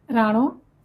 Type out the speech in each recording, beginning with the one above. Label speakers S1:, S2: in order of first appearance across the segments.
S1: ਰਾਣੋ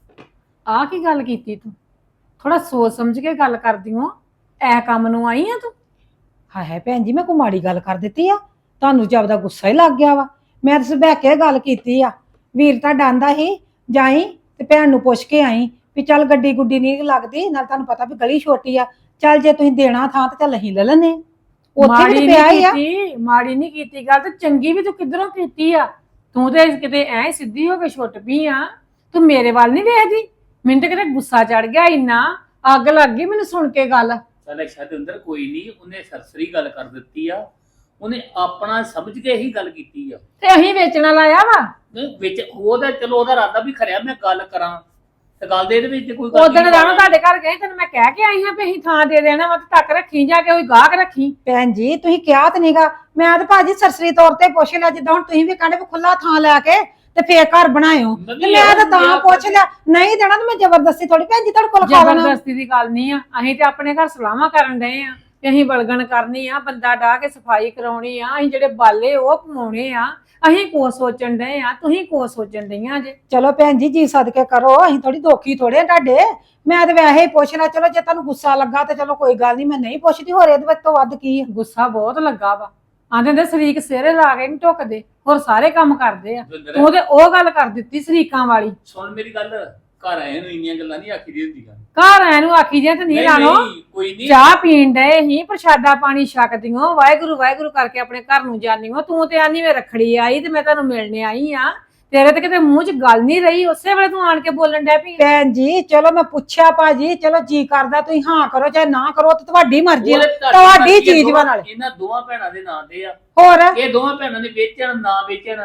S1: ਆ ਕੀ ਗੱਲ ਕੀਤੀ ਤੂੰ? ਥੋੜਾ ਸੋਚ ਸਮਝ ਕੇ ਗੱਲ ਕਰਦੀ ਹੋ। ਐ ਕੰਮ ਨੂੰ ਆਈ ਆ ਤੂੰ?
S2: ਹਾਏ ਹਾਏ ਭੈਣ ਜੀ, ਮੈਂ ਕੋਈ ਮਾੜੀ ਗੱਲ ਕਰ ਦਿੱਤੀ ਆ? ਤੁਹਾਨੂੰ ਜਦ ਗੁੱਸਾ ਹੀ ਲੱਗ ਗਿਆ ਵਾ। ਮੈਂ ਤਾਂ ਸੁਭਾ ਕੇ ਗੱਲ ਕੀਤੀ ਆ। ਵੀਰ ਤਾਂ ਡਾਂਦਾ ਸੀ ਜਾਈ ਤੇ ਭੈਣ ਨੂੰ ਪੁੱਛ ਕੇ ਆਈ ਵੀ ਚੱਲ ਗੱਡੀ ਗੁੱਡੀ ਨਹੀਂ ਲੱਗਦੀ, ਨਾਲ ਤੁਹਾਨੂੰ ਪਤਾ ਵੀ ਗਲੀ ਛੋਟੀ ਆ। ਚੱਲ ਜੇ ਤੁਸੀਂ ਦੇਣਾ ਥਾਂ ਤੇ ਚੱਲ ਅਸੀਂ ਲੈ ਲੈਨੇ ਉੱਥੇ ਵੀ
S1: ਮਾੜੀ
S2: ਤੇ ਪਿਆ
S1: ਨਹੀਂ
S2: ਹੀ ਆ।
S1: ਕੀਤੀ, ਮਾੜੀ ਨਹੀਂ ਕੀਤੀ ਗੱਲ, ਤੇ ਚੰਗੀ ਵੀ ਤੂੰ ਕਿੱਧਰੋਂ ਕੀਤੀ ਆ? ਤੂੰ ਤੇ ਕਿਤੇ ਐ ਸਿੱਧੀ ਹੋ ਕੇ ਛੁੱਟ ਪਈ ਆ। ਤੂੰ ਮੇਰੇ ਵੱਲ ਨਹੀਂ ਵੇਖਦੀ? ਮੈਨੂੰ ਤੇ ਕਿਤੇ ਗੁੱਸਾ ਚੜ ਗਿਆ, ਇੰਨਾ ਅੱਗ ਲੱਗ ਗਈ ਮੈਨੂੰ ਸੁਣ ਕੇ ਗੱਲ।
S3: ਚੱਲ ਸ਼ਤਿੰਦਰ ਕੋਈ ਨਹੀਂ, ਉਹਨੇ ਸਰਸਰੀ ਗੱਲ ਕਰ ਦਿੱਤੀ ਆ। ਉਹਨੇ ਆਪਣਾ ਸਮਝ ਕੇ ਹੀ ਗੱਲ ਕੀਤੀ ਆ।
S1: ਤੇ ਅਸੀਂ ਵੇਚਣਾ ਲਾਇਆ ਵਾ।
S3: ਨਹੀਂ ਵਿੱਚ ਉਹਦਾ ਚਲੋ ਉਹਦਾ ਇਰਾਦਾ ਵੀ ਖਰਿਆ ਮੈਂ ਗੱਲ ਕਰਾਂ ਤੇ ਗੱਲ ਦੇ ਇਹਦੇ ਵਿੱਚ ਕੋਈ ਗੱਲ
S1: ਉਦੋਂ
S3: ਨਹੀਂ।
S1: ਰਾਣੋ ਤੁਹਾਡੇ ਘਰ ਗਏ, ਤੈਨੂੰ ਮੈਂ ਕਹਿ ਕੇ ਆਈ ਹਾਂ ਵੀ ਅਸੀਂ ਥਾਂ ਦੇ ਦੇਣਾ ਵਾ, ਤੇ ਤੱਕ ਰੱਖੀ ਜਾ ਕੇ ਕੋਈ ਗਾਹਕ ਰੱਖੀ।
S2: ਭੈਣ ਜੀ ਤੁਸੀਂ ਕਿਹਾ ਤਾਂ ਨਹੀਂਗਾ। ਮੈਂ ਤਾਂ ਭਾਜੀ ਸਰਸਰੀ ਤੌਰ ਤੇ ਪੁੱਛ ਲਿਆ, ਜਿੱਦਾਂ ਹੁਣ ਤੁਸੀਂ ਵੀ ਕਹਿੰਦੇ ਵੀ ਖੁੱਲਾ ਥਾਂ ਲੈ ਕੇ ਤੇ ਫੇਰ ਘਰ ਬਣਾਇਓ, ਤੇ ਮੈਂ ਤਾਂ ਪੁੱਛ ਲਿਆ। ਨਹੀਂ ਦੇਣਾ ਤਾਂ ਮੈਂ ਜ਼ਬਰਦਸਤੀ ਥੋੜੀ ਭੈਣ ਜੀ ਤੁਹਾਡੇ ਕੋਲ ਖਾ ਲੈਣਾ।
S1: ਜ਼ਬਰਦਸਤੀ ਦੀ ਗੱਲ ਨਹੀਂ ਆ, ਅਸੀਂ ਤੇ ਆਪਣੇ ਘਰ ਸਲਾਹਾਂ ਕਰਨ ਡਏ ਆ ਕਿ ਅਸੀਂ ਬਲਗਣ ਕਰਨੀ ਆ, ਬੰਦਾ ਡਾਹ ਕੇ ਸਫਾਈ ਕਰਾਉਣੀ ਆ, ਅਸੀਂ ਜਿਹੜੇ ਬਾਲੇ ਉਹ ਕਮਾਉਣੇ ਆ। ਅਸੀਂ ਕੋ ਸੋਚਣ ਡਏ ਆ, ਤੁਸੀਂ ਕੋ ਸੋਚਣ ਡਈਆਂ ਜੇ।
S2: ਚਲੋ ਭੈਣ ਜੀ, ਜੀ ਸਦਕੇ ਕਰੋ, ਅਸੀਂ ਥੋੜੀ ਦੋਖੀ ਥੋੜੇ ਆ ਤੁਹਾਡੇ। ਮੈਂ ਤਾਂ ਵੈਸੇ ਹੀ ਪੁੱਛ ਲਿਆ, ਚਲੋ ਜੇ ਤੁਹਾਨੂੰ ਗੁੱਸਾ ਲੱਗਾ ਤੇ ਚਲੋ ਕੋਈ ਗੱਲ ਨਹੀਂ, ਮੈਂ ਨਹੀਂ ਪੁੱਛਦੀ। ਹੋਰ ਇਹਦੇ ਵਿੱਚ ਤੋਂ ਵੱਧ ਕੀ ਆ?
S1: ਗੁੱਸਾ ਬਹੁਤ ਲੱਗਾ ਵਾ। ਆਂਦੇ ਹੁੰਦੇ ਸ਼ਰੀਕ ਸਿਰੇ ਲਾ ਕੇ ਨਹੀਂ ਢੁੱਕਦੇ, ਹੋਰ ਸਾਰੇ ਕੰਮ ਕਰਦੇ ਆ। ਤੂੰ ਤੇ ਉਹ ਗੱਲ ਕਰ ਦਿੱਤੀ ਸ਼ਰੀਕਾਂ ਵਾਲੀ।
S3: ਸੁਣ ਮੇਰੀ ਗੱਲ, ਘਰ ਆਏ ਨੂੰ ਇੰਨੀਆਂ ਗੱਲਾਂ ਨਹੀਂ ਆਖੀ ਦੀ ਹੁੰਦੀਆਂ।
S1: ਘਰ ਆਇਆ ਨੂੰ ਆਖੀ ਜੇ ਤੇ ਨਹੀਂ ਰਾਣੋ।
S3: ਕੋਈ ਨਹੀਂ,
S1: ਚਾਹ ਪੀਣ ਡਏ ਹੀ, ਪ੍ਰਸ਼ਾਦਾ ਪਾਣੀ ਛਕਦੀਆਂ, ਵਾਹਿਗੁਰੂ ਵਾਹਿਗੁਰੂ ਕਰਕੇ ਆਪਣੇ ਘਰ ਨੂੰ ਜਾਣੀਓ। ਤੂੰ ਤੇ ਆਨੀ ਮੈਂ ਰੱਖੜੀ ਆਈ ਤੇ ਮੈਂ ਤੁਹਾਨੂੰ ਮਿਲਣੇ ਆਈ ਆ। ਤੇਰੇ ਤੇ ਕਿਤੇ ਮੂੰਹ 'ਚ ਗੱਲ ਨਹੀਂ ਰਹੀ, ਉਸੇ ਵੇਲੇ ਤੂੰ ਆਣ ਕੇ ਬੋਲਣ ਡੈ ਪਈ।
S2: ਭੈਣ ਜੀ ਚਲੋ ਮੈਂ ਪੁੱਛਿਆ ਭਾਜੀ, ਚਲੋ ਜੀ ਕਰਦਾ ਤੁਸੀਂ ਹਾਂ ਕਰੋ ਚਾਹੇ ਨਾ ਕਰੋ, ਤੇ ਤੁਹਾਡੀ ਮਰਜ਼ੀ ਆ, ਤੁਹਾਡੀ ਚੀਜ਼ ਵਾ। ਨਾਲ
S3: ਇਹਨਾਂ ਦੋਵਾਂ ਭੈਣਾਂ ਦੇ ਨਾਂ ਤੇ ਆ।
S2: ਹੋਰ
S3: ਇਹ ਦੋਵਾਂ ਭੈਣਾਂ ਨੇ ਵੇਚਣ ਨਾ ਵੇਚਣ,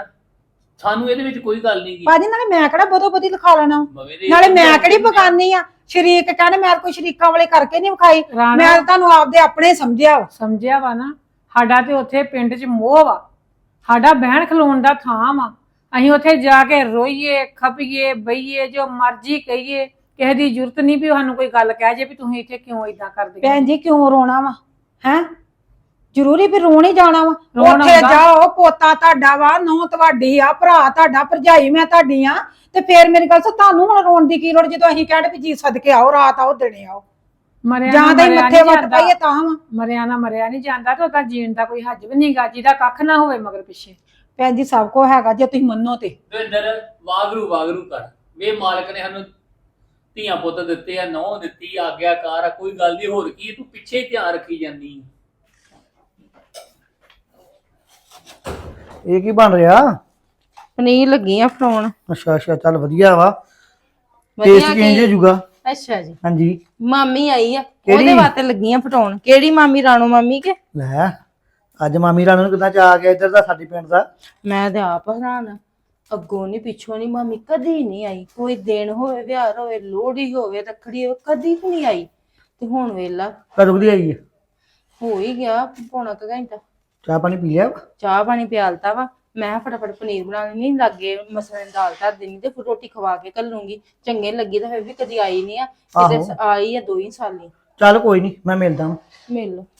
S3: ਸਾਨੂੰ ਇਹਦੇ ਵਿੱਚ ਕੋਈ ਗੱਲ ਨਹੀਂ ਗੀ।
S2: ਭਾਜੀ ਨਾਲੇ ਮੈਂ ਕਿਹੜਾ ਬਦੋ ਬਦੀ ਲਿਖਾ ਲੈਣਾ, ਨਾਲੇ ਮੈਂ ਕਿਹੜੀ ਬਗਾਨੀ ਆ। ਸ਼ਰੀਕ ਕਹਿੰਦੇ ਮੈਂ ਕੋਈ ਸ਼ਰੀਕਾਂ ਵਾਲੇ ਕਰਕੇ ਨਹੀਂ ਵਿਖਾਈ, ਮੈਂ ਤਾਂ ਤੁਹਾਨੂੰ ਆਪਦੇ ਆਪਣੇ ਸਮਝਿਆ ਵਾ।
S1: ਸਮਝਿਆ ਵਾ ਨਾ? ਸਾਡਾ ਤੇ ਉੱਥੇ ਪਿੰਡ 'ਚ ਮੋਹ ਵਾ, ਸਾਡਾ ਬਹਿਣ ਖਲੋਣ ਦਾ ਥਾਂ ਵਾ। ਅਸੀਂ ਉੱਥੇ ਜਾ ਕੇ ਰੋਈਏ, ਖਪੀਏ, ਬਈਏ, ਜੋ ਮਰਜ਼ੀ ਕਹੀਏ। ਕਿਸੇ ਦੀ ਜ਼ਰੂਰਤ ਨਹੀਂ ਵੀ ਸਾਨੂੰ ਕੋਈ ਗੱਲ ਕਹਿ ਜੇ ਵੀ ਤੁਸੀਂ ਇੱਥੇ ਕਿਉਂ ਇਦਾਂ ਕਰਦੇ।
S2: ਭੈਣ ਜੀ ਕਿਉਂ ਰੋਣਾ ਵਾ? ਹੈ ਜ਼ਰੂਰੀ ਵੀ ਰੋਣ ਹੀ ਜਾਣਾ ਵਾ?
S1: ਰੋਣ
S2: ਉੱਥੇ
S1: ਆਉਂਦਾ।
S2: ਜਾਓ, ਪੋਤਾ ਤੁਹਾਡਾ ਵਾ, ਨੂੰਹ ਤੁਹਾਡੀ ਆ, ਭਰਾ ਤੁਹਾਡਾ, ਭਰਜਾਈ ਮੈਂ ਤੁਹਾਡੀ ਆ, ਤੇ ਫੇਰ ਮੇਰੀ ਗੱਲ ਸੁਣ, ਤੁਹਾਨੂੰ ਹੁਣ ਰੋਣ ਦੀ ਕੀ ਲੋੜ ਜਦੋਂ ਅਸੀਂ ਕਹਿੰਦੇ ਵੀ ਜੀ ਸਦਕੇ ਆਓ, ਰਾਤ ਆਓ, ਦਿਨੇ ਆਓ।
S1: ਮਰਿਆ
S2: ਜਾਂ
S1: ਨਾ
S2: ਤਾਂ
S1: ਮਰਿਆ
S2: ਮੱਥੇ
S1: ਨਹੀਂ
S2: ਵੱਟ
S1: ਜਾਂਦਾ।
S2: ਪਾਈਏ ਤਾਂ ਵਾ।
S1: ਮਰਿਆ ਨਾ ਮਰਿਆ ਨਹੀਂ ਜਾਂਦਾ, ਤੇ ਉਹਦਾ ਜੀਣ ਦਾ ਕੋਈ ਹੱਜ ਵੀ ਨਹੀਂਗਾ, ਜਿਹਦਾ ਕੱਖ ਨਾ ਹੋਵੇ ਮਗਰ ਪਿੱਛੇ।
S2: ਭੈਣ ਜੀ ਸਭ ਕੁਝ ਹੈਗਾ ਜੇ ਤੁਸੀਂ ਮੰਨੋ ਤੇ।
S3: ਦਵਿੰਦਰ ਵਾਗਰੂ ਵਾਗਰੂ ਕਰ, ਵੇ ਮਾਲਕ ਨੇ ਸਾਨੂੰ ਧੀਆਂ ਪੁੱਤ ਦਿੱਤੇ ਆ, ਨੌ ਦਿੱਤੀ, ਆਗਿਆਕਾਰ ਆ, ਕੋਈ ਗੱਲ ਨਹੀਂ। ਹੋਰ ਕੀ ਤੂੰ ਪਿੱਛੇ ਹੀ ਧਿਆਨ ਰੱਖੀ ਜਾਂਦੀ।
S4: ਇਹ ਕੀ ਬਣ ਰਿਹਾ?
S5: ਪਨੀਰ ਲੱਗੀ ਆ ਫਰਾਉਣ।
S4: ਅੱਛਾ ਅੱਛਾ, ਚੱਲ ਵਧੀਆ ਵਾ।
S5: ਵਧੀਆ
S4: ਟੇਸਟ ਚੇਂਜ ਹੋ ਜਾਊਗਾ।
S5: ਅੱਛਾ ਜੀ,
S4: ਹਾਂਜੀ।
S5: ਮਾਮੀ ਆਈ ਆ,
S4: ਕਿਹੜੀ?
S5: ਉਹਦੇ ਵਾਸਤੇ ਲੱਗੀਆਂ ਫਟਾਉਣ। ਕਿਹੜੀ ਮਾਮੀ? ਰਾਣੋ ਮਾਮੀ ਕੇ?
S4: ਲੈ ਅੱਜ ਮਾਮੀ ਰਾਣੋ ਨੂੰ ਕਿੱਦਾਂ ਚਾ ਆ ਗਿਆ ਇੱਧਰ ਦਾ ਸਾਡੇ ਪਿੰਡ ਦਾ?
S5: ਮੈਂ ਤੇ ਆਪ ਹੈਰਾਨ, ਅੱਗੋਂ ਨਹੀਂ ਪਿੱਛੋਂ ਨਹੀਂ ਮਾਮੀ ਕਦੀ ਨਹੀਂ ਆਈ। ਕੋਈ ਦਿਨ ਹੋਵੇ, ਵਿਆਹ ਹੋਵੇ, ਲੋਹੜੀ ਹੋਵੇ, ਰੱਖੜੀ ਹੋਵੇ, ਕਦੀ ਵੀ ਨਹੀਂ ਆਈ। ਤੇ ਹੁਣ ਵੇਲਾ
S4: ਕਦੋਂ ਦੀ ਆਈ ਹੈ?
S5: ਹੋ ਹੀ ਗਿਆ ਪੌਣਾ ਕੁ ਘੰਟਾ।
S4: ਚਾਹ ਪਾਣੀ ਪੀ ਲਿਆ ਵਾ?
S5: ਚਾਹ ਪਾਣੀ ਪਿਆਲਤਾ ਵਾ। ਮੈਂ ਫਟਾਫਟ ਪਨੀਰ ਬਣਾ ਲੈਣੀ, ਲੱਗੇ ਮਸਲੇ ਦੀ ਦਾਲ ਧਰ ਦੇਣੀ ਤੇ ਫਿਰ ਰੋਟੀ ਖਵਾ ਕੇ ਘੱਲੂੰਗੀ। ਚੰਗੇ ਲੱਗੀ ਤਾਂ ਫਿਰ ਵੀ ਕਦੀ ਆਈ ਨਹੀਂ ਆ, ਕਿਤੇ ਆਈ ਆ 2 ਹੀ ਸਾਲੀ।
S4: ਚੱਲ ਕੋਈ ਨਹੀਂ, ਮੈਂ ਮਿਲਦਾ ਹਾਂ।
S5: ਮਿਲ ਲਓ।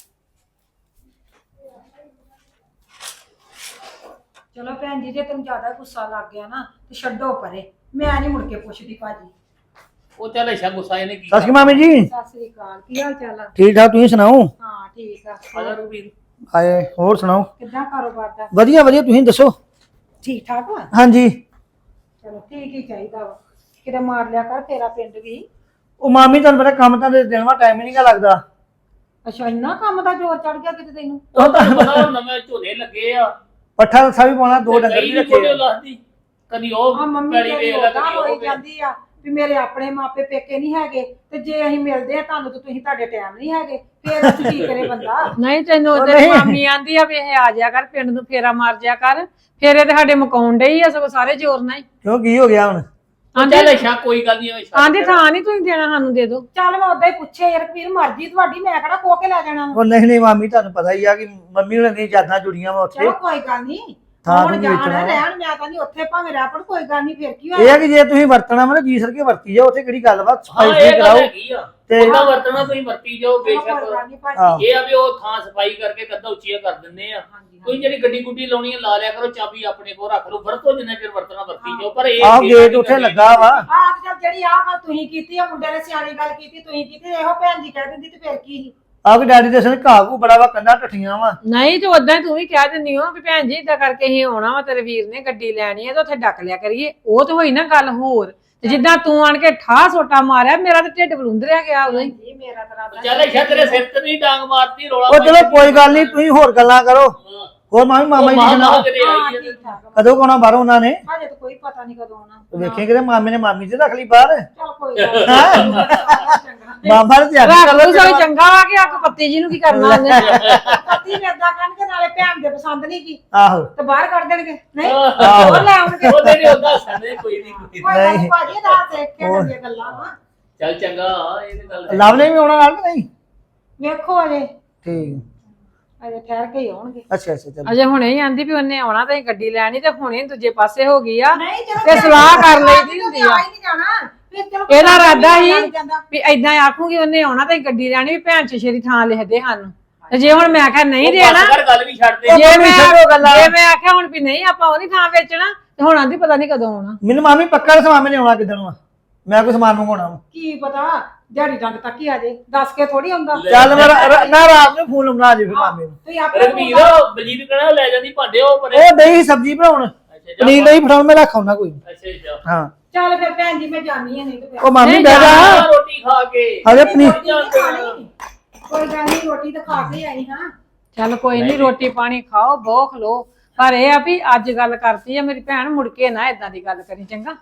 S2: ਚਲੋ ਭੈਣ ਜੀ ਜੇ ਤੈਨੂੰ ਜ਼ਿਆਦਾ ਗੁੱਸਾ ਲੱਗ ਗਿਆ ਨਾ ਤੇ ਛੱਡੋ ਪਰੇ, ਮੈਂ ਨਹੀਂ ਮੁੜ ਕੇ ਪੁੱਛਦੀ ਭਾਜੀ।
S3: ਉਹ ਚੱਲ ਅੱਛਾ ਗੁੱਸਾ ਇਹਨੇ ਕੀ
S4: ਸਤਿ ਸ਼੍ਰੀ ਅਕਾਲ ਮਾਮੀ ਜੀ।
S2: ਸਤਿ ਸ੍ਰੀ ਅਕਾਲ, ਕੀ ਹਾਲ ਚਾਲ ਆ?
S4: ਠੀਕ ਠਾਕ, ਤੁਸੀਂ ਸੁਣਾਓ?
S2: ਹਾਂ ਠੀਕ ਆ।
S3: ਆਜਾ ਰਘਬੀਰ।
S4: ਆਏ ਹੋਰ ਸੁਣਾਓ?
S2: ਕਿੱਦਾਂ ਕਾਰੋਬਾਰ ਦਾ?
S4: ਵਧੀਆ ਵਧੀਆ, ਤੁਸੀਂ ਦੱਸੋ?
S2: ਠੀਕ ਠਾਕ ਵਾ?
S4: ਹਾਂਜੀ।
S2: ਚਲੋ ਠੀਕ ਹੀ ਚਾਹੀਦਾ ਵਾ। ਕਿਤੇ ਮਾਰ ਲਿਆ ਕਰ ਫੇਰਾ ਪਿੰਡ ਵੀ।
S4: ਉਹ ਮਾਮੀ ਤੁਹਾਨੂੰ ਪਤਾ ਕੰਮ ਤਾਂ ਦੇਣ ਵਾ ਟਾਈਮ ਹੀ ਨਹੀਂਗਾ ਲੱਗਦਾ।
S2: ਅੱਛਾ ਇੰਨਾ ਕੰਮ ਦਾ ਜ਼ੋਰ ਚੜ ਗਿਆ ਕਿਤੇ ਤੈਨੂੰ?
S3: ਉਹ ਤਾਂ ਪਤਾ ਹੁਣ ਨਵੇਂ ਝੋਨੇ ਲੱਗੇ ਆ,
S4: ਪੱਠਾ ਦੱਸਾ ਵੀ ਪਾਉਣਾ, 2 ਡੰਗਰ ਵੀ ਰੱਖੇ ਆ।
S3: ਲੱਗਦੀ ਕਦੀ ਉਹ
S2: ਆ ਮੰਮੀ
S3: ਪੈਲੀ
S2: ਤੇਰੀ
S3: ਵੇਖ ਲੈ,
S2: ਉਹਦਾ
S3: ਕਦੀ ਉਹ
S2: ਹੋਈ
S3: ਵੇਖ।
S2: ਜਾਂਦੀ ਆ ਵੀ ਮੇਰੇ ਆਪਣੇ ਮਾਪੇ ਪੇਕੇ ਨਹੀਂ ਹੈਗੇ, ਤੇ ਜੇ ਅਸੀਂ ਮਿਲਦੇ ਆ ਤੁਹਾਨੂੰ ਤੇ ਤੁਸੀਂ ਤੁਹਾਡੇ ਟਾਈਮ ਨਹੀਂ ਹੈਗੇ, ਫੇਰ ਅਸੀਂ ਕੀ ਕਰੇ ਬੰਦਾ।
S1: ਨਹੀਂ ਤੈਨੂੰ
S4: ਉਹ
S1: ਉਹਦੇ
S4: ਨਹੀਂ।
S1: ਮਾਮੀ ਆਂਦੀ ਆ ਵੀ ਇਹ ਆ ਜਾ ਕਰ ਪਿੰਡ ਨੂੰ, ਫੇਰਾ ਮਾਰ ਜਾ ਕਰ। ਫੇਰੇ ਤੇ ਸਾਡੇ ਮਕਾਉਣ ਡਈ ਆ ਸਗੋਂ ਸਾਰੇ ਜ਼ੋਰ ਨਾਲ ਹੀ।
S4: ਕਿਉਂ ਕੀ ਹੋ ਗਿਆ ਹੁਣ?
S3: ਚੱਲ ਅੱਛਾ ਕੋਈ ਗੱਲ ਨਹੀਂ।
S1: ਆਂਦੀ ਥਾਂ ਨਹੀਂ ਤੁਸੀਂ ਦੇਣਾ, ਸਾਨੂੰ ਦੇ ਦਿਓ।
S2: ਚੱਲ ਮੈਂ ਉਦਾਂ ਹੀ ਪੁੱਛਿਆ ਯਾਰ, ਵੀਰ ਮਰਜ਼ੀ ਤੁਹਾਡੀ, ਮੈਂ ਕਿਹੜਾ ਖੋ ਕੇ ਲੈ ਜਾਣਾ ਵਾ।
S4: ਉਹ ਨਹੀਂ ਨਹੀਂ ਮਾਮੀ, ਤੁਹਾਨੂੰ ਪਤਾ ਹੀ ਆ ਕਿ ਮੰਮੀ ਹੁਣਾਂ ਦੀਆਂ ਯਾਦਾਂ ਜੁੜੀਆਂ ਵਾ ਉੱਥੇ।
S2: ਚਲੋ ਕੋਈ ਗੱਲ ਨਹੀਂ,
S4: ਥਾਂ
S2: ਹੁਣ
S4: ਨੂੰ
S2: ਜਾਣਾ
S4: ਵੇਚਣਾ ਵਾ।
S2: ਰਹਿਣ ਮੈਂ ਤਾਂ ਨਹੀਂ ਉੱਥੇ ਭਾਵੇਂ ਰਹਿ ਪੜ ਕੋਈ ਗੱਲ ਨਹੀਂ ਫਿਰ ਕੀ
S4: ਇਹ
S2: ਹੋਇਆ
S4: ਆ ਕਿ ਜੇ ਤੁਸੀਂ ਵਰਤਣਾ ਵਾ ਜੀ ਸਰ ਕੇ ਵਰਤੀ ਜਾਓ, ਉੱਥੇ ਕਿਹੜੀ ਗੱਲ ਵਾ
S3: ਹਾਂ
S4: ਸਫਾਈ
S3: ਇਹ ਗੱਲ
S4: ਕਰਾਓ
S3: ਹੈਗੀ ਆ
S4: ਤੇ
S3: ਉਹਦਾ ਵਰਤਣਾ ਤੁਸੀਂ ਵਰਤੀ ਜਾਓ
S2: ਕੋਈ
S3: ਬੇਸ਼ੱਕ
S2: ਗੱਲ ਨੀ ਭਾਜੀ।
S4: ਆਹੋ।
S3: ਇਹ ਆ ਵੀ ਉਹ ਥਾਂ ਸਫਾਈ ਕਰਕੇ ਕੱਦਾ ਉੱਚੀਆਂ ਕਰ ਦਿੰਦੇ ਆ ਤੁਸੀਂ ਜਿਹੜੀ ਗੱਡੀ ਗੁੱਡੀ ਲਾਉਣੀ ਆ ਲਾ ਲਿਆ ਕਰੋ, ਚਾਬੀ ਆਪਣੇ ਕੋਲ ਰੱਖ ਲਓ, ਵਰਤੋ ਜਿੰਨਾ ਚਿਰ ਵਰਤਣਾ ਵਰਤੀ ਜਾਓ। ਪਰ ਇਹ
S4: ਆਹ ਗੇਟ ਉੱਥੇ ਲੱਗਾ ਵਾ।
S2: ਆਹ ਤੇ ਚੱਲ ਜਿਹੜੀ ਆਹ ਗੱਲ ਤੁਸੀਂ ਕੀਤੀ ਆ ਮੁੰਡੇ ਨੇ ਸਿਆਣੀ ਗੱਲ ਕੀਤੀ ਤੁਸੀਂ ਕੀਤੀ ਇਹੋ ਭੈਣ ਜੀ ਕਹਿ ਦਿੰਦੀ ਤੇ ਫਿਰ ਕੀ ਸੀ
S4: ਆਹ ਕਿ ਡੈਡੀ ਦੇ ਸਨ ਘਾਹ ਘੂ ਬੜਾ ਵਾ, ਕੰਧਾਂ ਟੱਠੀਆਂ ਵਾ।
S1: ਨਹੀਂ ਤੇ ਉਦਾਂ ਹੀ ਤੂੰ ਵੀ ਕਹਿ ਦਿੰਦੀ ਹੋ ਵੀ ਭੈਣ ਜੀ ਇਦਾਂ ਕਰਕੇ ਅਸੀਂ ਆਉਣਾ ਵਾ, ਤੇਰੇ ਵੀਰ ਨੇ ਗੱਡੀ ਲੈਣੀ ਹੈ ਤੇ ਉੱਥੇ ਡੱਕ ਲਿਆ ਕਰੀਏ। ਉਹ ਤੇ ਹੋਈ ਨਾ ਗੱਲ ਹੋਰ, ਤੇ ਜਿੱਦਾਂ ਤੂੰ ਆਣ ਕੇ ਠਾਹ ਸੋਟਾ ਮਾਰਿਆ, ਮੇਰਾ ਤੇ ਢਿੱਡ ਬਲੂੰਦਰਿਆ ਗਿਆ ਉਦੋਂ ਹੀ।
S2: ਜੀ ਮੇਰਾ ਤਾਂ ਰਾਤ
S3: ਚੱਲ ਇੱਛਾ ਤੇਰੇ ਸਿਰ ਤੇ ਨਹੀਂ ਡਾਂਗ ਮਾਰਤੀ ਰੋਲਾ
S4: ਉਹ ਚਲੋ ਕੋਈ ਗੱਲ ਨਹੀਂ, ਤੁਸੀਂ ਹੋਰ ਗੱਲਾਂ ਕਰੋ। ਹੋਰ ਮਾਮਾ ਜੀ ਦੀ ਸੁਣਾਓ,
S3: ਕਿਤੇ ਆਈ ਹੈ
S2: ਠੀਕ ਠਾਕ ਆ।
S4: ਕਦੋਂ ਕੋਣਾ ਬਾਹਰੋਂ ਉਹਨਾਂ ਨੇ
S2: ਹਜੇ ਤਾਂ ਕੋਈ ਪਤਾ ਨਹੀਂ ਕਦੋਂ ਆਉਣਾ
S4: ਵੇਖੇ ਕਿਤੇ ਮਾਮੇ ਨੇ ਮਾਮੀ ਤੇ ਰੱਖ ਲਈ ਬਾਹਰ।
S2: ਚੱਲ ਕੋਈ ਗੱਲ ਨੀ।
S4: ਮਾਮਾ ਨੇ ਤਿਆਰੀ
S1: ਰੱਖ
S4: ਕਰ
S1: ਲਓ
S4: ਲਓ
S1: ਸੋਈ ਚੰਗਾ ਵਾ ਕਿ ਅੱਖ ਪੱਤੀ ਜੀ ਨੂੰ ਕੀ ਕਰਨਾ ਉਹਨੇ।
S2: ਪਤੀ ਨੇ ਏਦਾਂ ਕਹਿਣਗੇ ਨਾਲੇ ਭੈਣ ਦੇ ਪਸੰਦ ਨਹੀਂ ਕੀ
S4: ਆਹੋ
S2: ਤੇ ਬਾਹਰ ਕੱਢ ਦੇਣਗੇ ਨਹੀਂ
S3: ਆਹੋ।
S2: ਹੋਰ ਲੈ ਆਉਣਗੇ
S3: ਉਹਦੇ ਨਹੀਂ ਹੁੰਦਾ ਸੰਦੇ ਕੋਈ ਨਹੀਂ
S2: ਕੋਈ ਗੱਲ ਨੀ
S4: ਨਹੀਂ।
S2: ਭਾਜੀ ਦਾ ਦੇਖ ਕੇ ਦੀਆਂ ਗੱਲਾਂ ਵਾ
S3: ਚੱਲ ਚੰਗਾ ਇਹ ਤੇ ਗੱਲ ਹੈ।
S4: ਲਵ ਨੇ ਵੀ ਆਉਣਾ ਨਾਲ ਕਿ ਨਹੀਂ?
S2: ਵੇਖੋ ਅਜੇ
S4: ਠੀਕ
S2: ਅਜੇ ਠਹਿਰ ਕੇ ਹੀ ਆਉਣਗੇ
S4: ਅੱਛਾ ਅੱਛਾ ਚਲੋ
S1: ਅਜੇ ਹੁਣੇ ਹੀ ਆਂਦੀ ਵੀ ਉਹਨੇ ਆਉਣਾ ਤੇ ਅਸੀਂ ਗੱਡੀ ਲੈਣੀ, ਤੇ ਹੁਣੇ ਦੂਜੇ ਪਾਸੇ ਹੋ ਗਈ ਆ।
S2: ਨਹੀਂ ਚਲੋ
S1: ਤੇ ਸਲਾਹ ਕਰ ਲਈਦੀ ਹੁੰਦੀ ਆ।
S2: ਹੀ ਨਹੀਂ ਜਾਣਾ ਫਿਰ ਚਲੋ
S1: ਇਹਦਾ ਇਰਾਦਾ
S2: ਲੱਗ
S1: ਸੀ
S2: ਜਾਂਦਾ।
S1: ਵੀ ਏਦਾਂ ਆਖੂਗੀ ਉਹਨੇ ਆਉਣਾ ਤੇ ਅਸੀਂ ਗੱਡੀ ਲੈਣੀ, ਵੀ ਭੈਣ ਚਸ਼ੇਰੀ ਥਾਂ ਲਿਖ ਦੇ ਸਾਨੂੰ। ਤੇ ਜੇ ਹੁਣ ਮੈਂ ਆਖਿਆ ਨਹੀਂ
S3: ਉਹ
S1: ਦੇਣਾ,
S3: ਬਸ ਕਰ ਗੱਲ ਵੀ ਛੱਡ ਦੇ
S1: ਜੇ
S4: ਮੰਮੀ ਛੱਡੋ ਗੱਲਾਂ।
S1: ਮੈਂ ਆਖਿਆ ਹੁਣ ਵੀ ਨਹੀਂ ਆਪਾਂ ਉਹਦੀ ਥਾਂ ਵੇਚਣਾ, ਤੇ ਹੁਣ ਆਂਦੀ ਪਤਾ ਨਹੀਂ ਕਦੋਂ ਆਉਣਾ।
S4: ਮੈਨੂੰ ਮਾਮੀ ਪੱਕਾ ਦੱਸ ਮਾਮੇ ਨੇ ਆਉਣਾ ਕਿੱਦਣ ਵਾ? ਮੈਂ ਕੋਈ ਸਮਾਨ ਮੰਗਵਾਉਣਾ ਵਾ।
S2: ਕੀ ਪਤਾ ਦਿਹਾੜੀ ਡੰਗ ਤੱਕ ਹੀ ਆ ਜੇ ਦੱਸ ਕੇ ਥੋੜੀ ਹੁੰਦਾ
S4: ਚੱਲ ਮੈਂ ਨਾ ਰਾਤ ਨੂੰ ਫੋਨ ਲਾਉਣਾ ਜੀ ਫਿਰ ਮਾਮੇ ਨੂੰ।
S2: ਤੁਸੀਂ ਆਪੇ
S3: ਰਣਵੀਰ ਬਲਜੀਤ ਕਹਿਣਾ ਲੈ ਜਾਂਦੀ ਭਾਂਡੇ ਉਹ ਪਰੇ
S4: ਉਹ ਦਹੀਂ ਸਬਜ਼ੀ ਬਣਾਉਣ,
S3: ਅੱਛਾ ਜਾ
S4: ਪਨੀਰ ਨਹੀਂ ਫੜਾਉਣ, ਮੈਂ ਰੱਖਾਉਣਾ ਕੋਈ ਨੀ।
S3: ਅੱਛਾ ਜਾ
S4: ਹਾਂ
S2: ਚੱਲ ਫਿਰ ਭੈਣ ਜੀ ਮੈਂ ਜਾਣੀ ਨਹੀਂ ਤੇ ਫਿਰ
S4: ਉਹ ਮਾਮੀ
S1: ਨਹੀਂ
S4: ਬਹਿ ਜਾ।
S3: ਰੋਟੀ ਖਾ ਕੇ
S4: ਹਜੇ ਪਨੀਰ
S2: ਰੋਟੀ ਨੀ ਖਾਣੀ। ਕੋਈ ਗੱਲ ਨਹੀਂ ਰੋਟੀ ਤਾਂ ਖਾ ਕੇ ਆਈ ਹਾਂ
S1: ਚੱਲ ਕੋਈ ਨਹੀਂ, ਰੋਟੀ ਪਾਣੀ ਖਾਓ, ਬੋਖ ਲੋ। ਪਰ ਇਹ ਆ ਵੀ ਅੱਜ ਗੱਲ ਕਰਤੀ ਆ ਮੇਰੀ ਭੈਣ, ਮੁੜ ਕੇ ਨਾ ਏਦਾਂ ਦੀ ਗੱਲ ਕਰੀ, ਚੰਗਾ?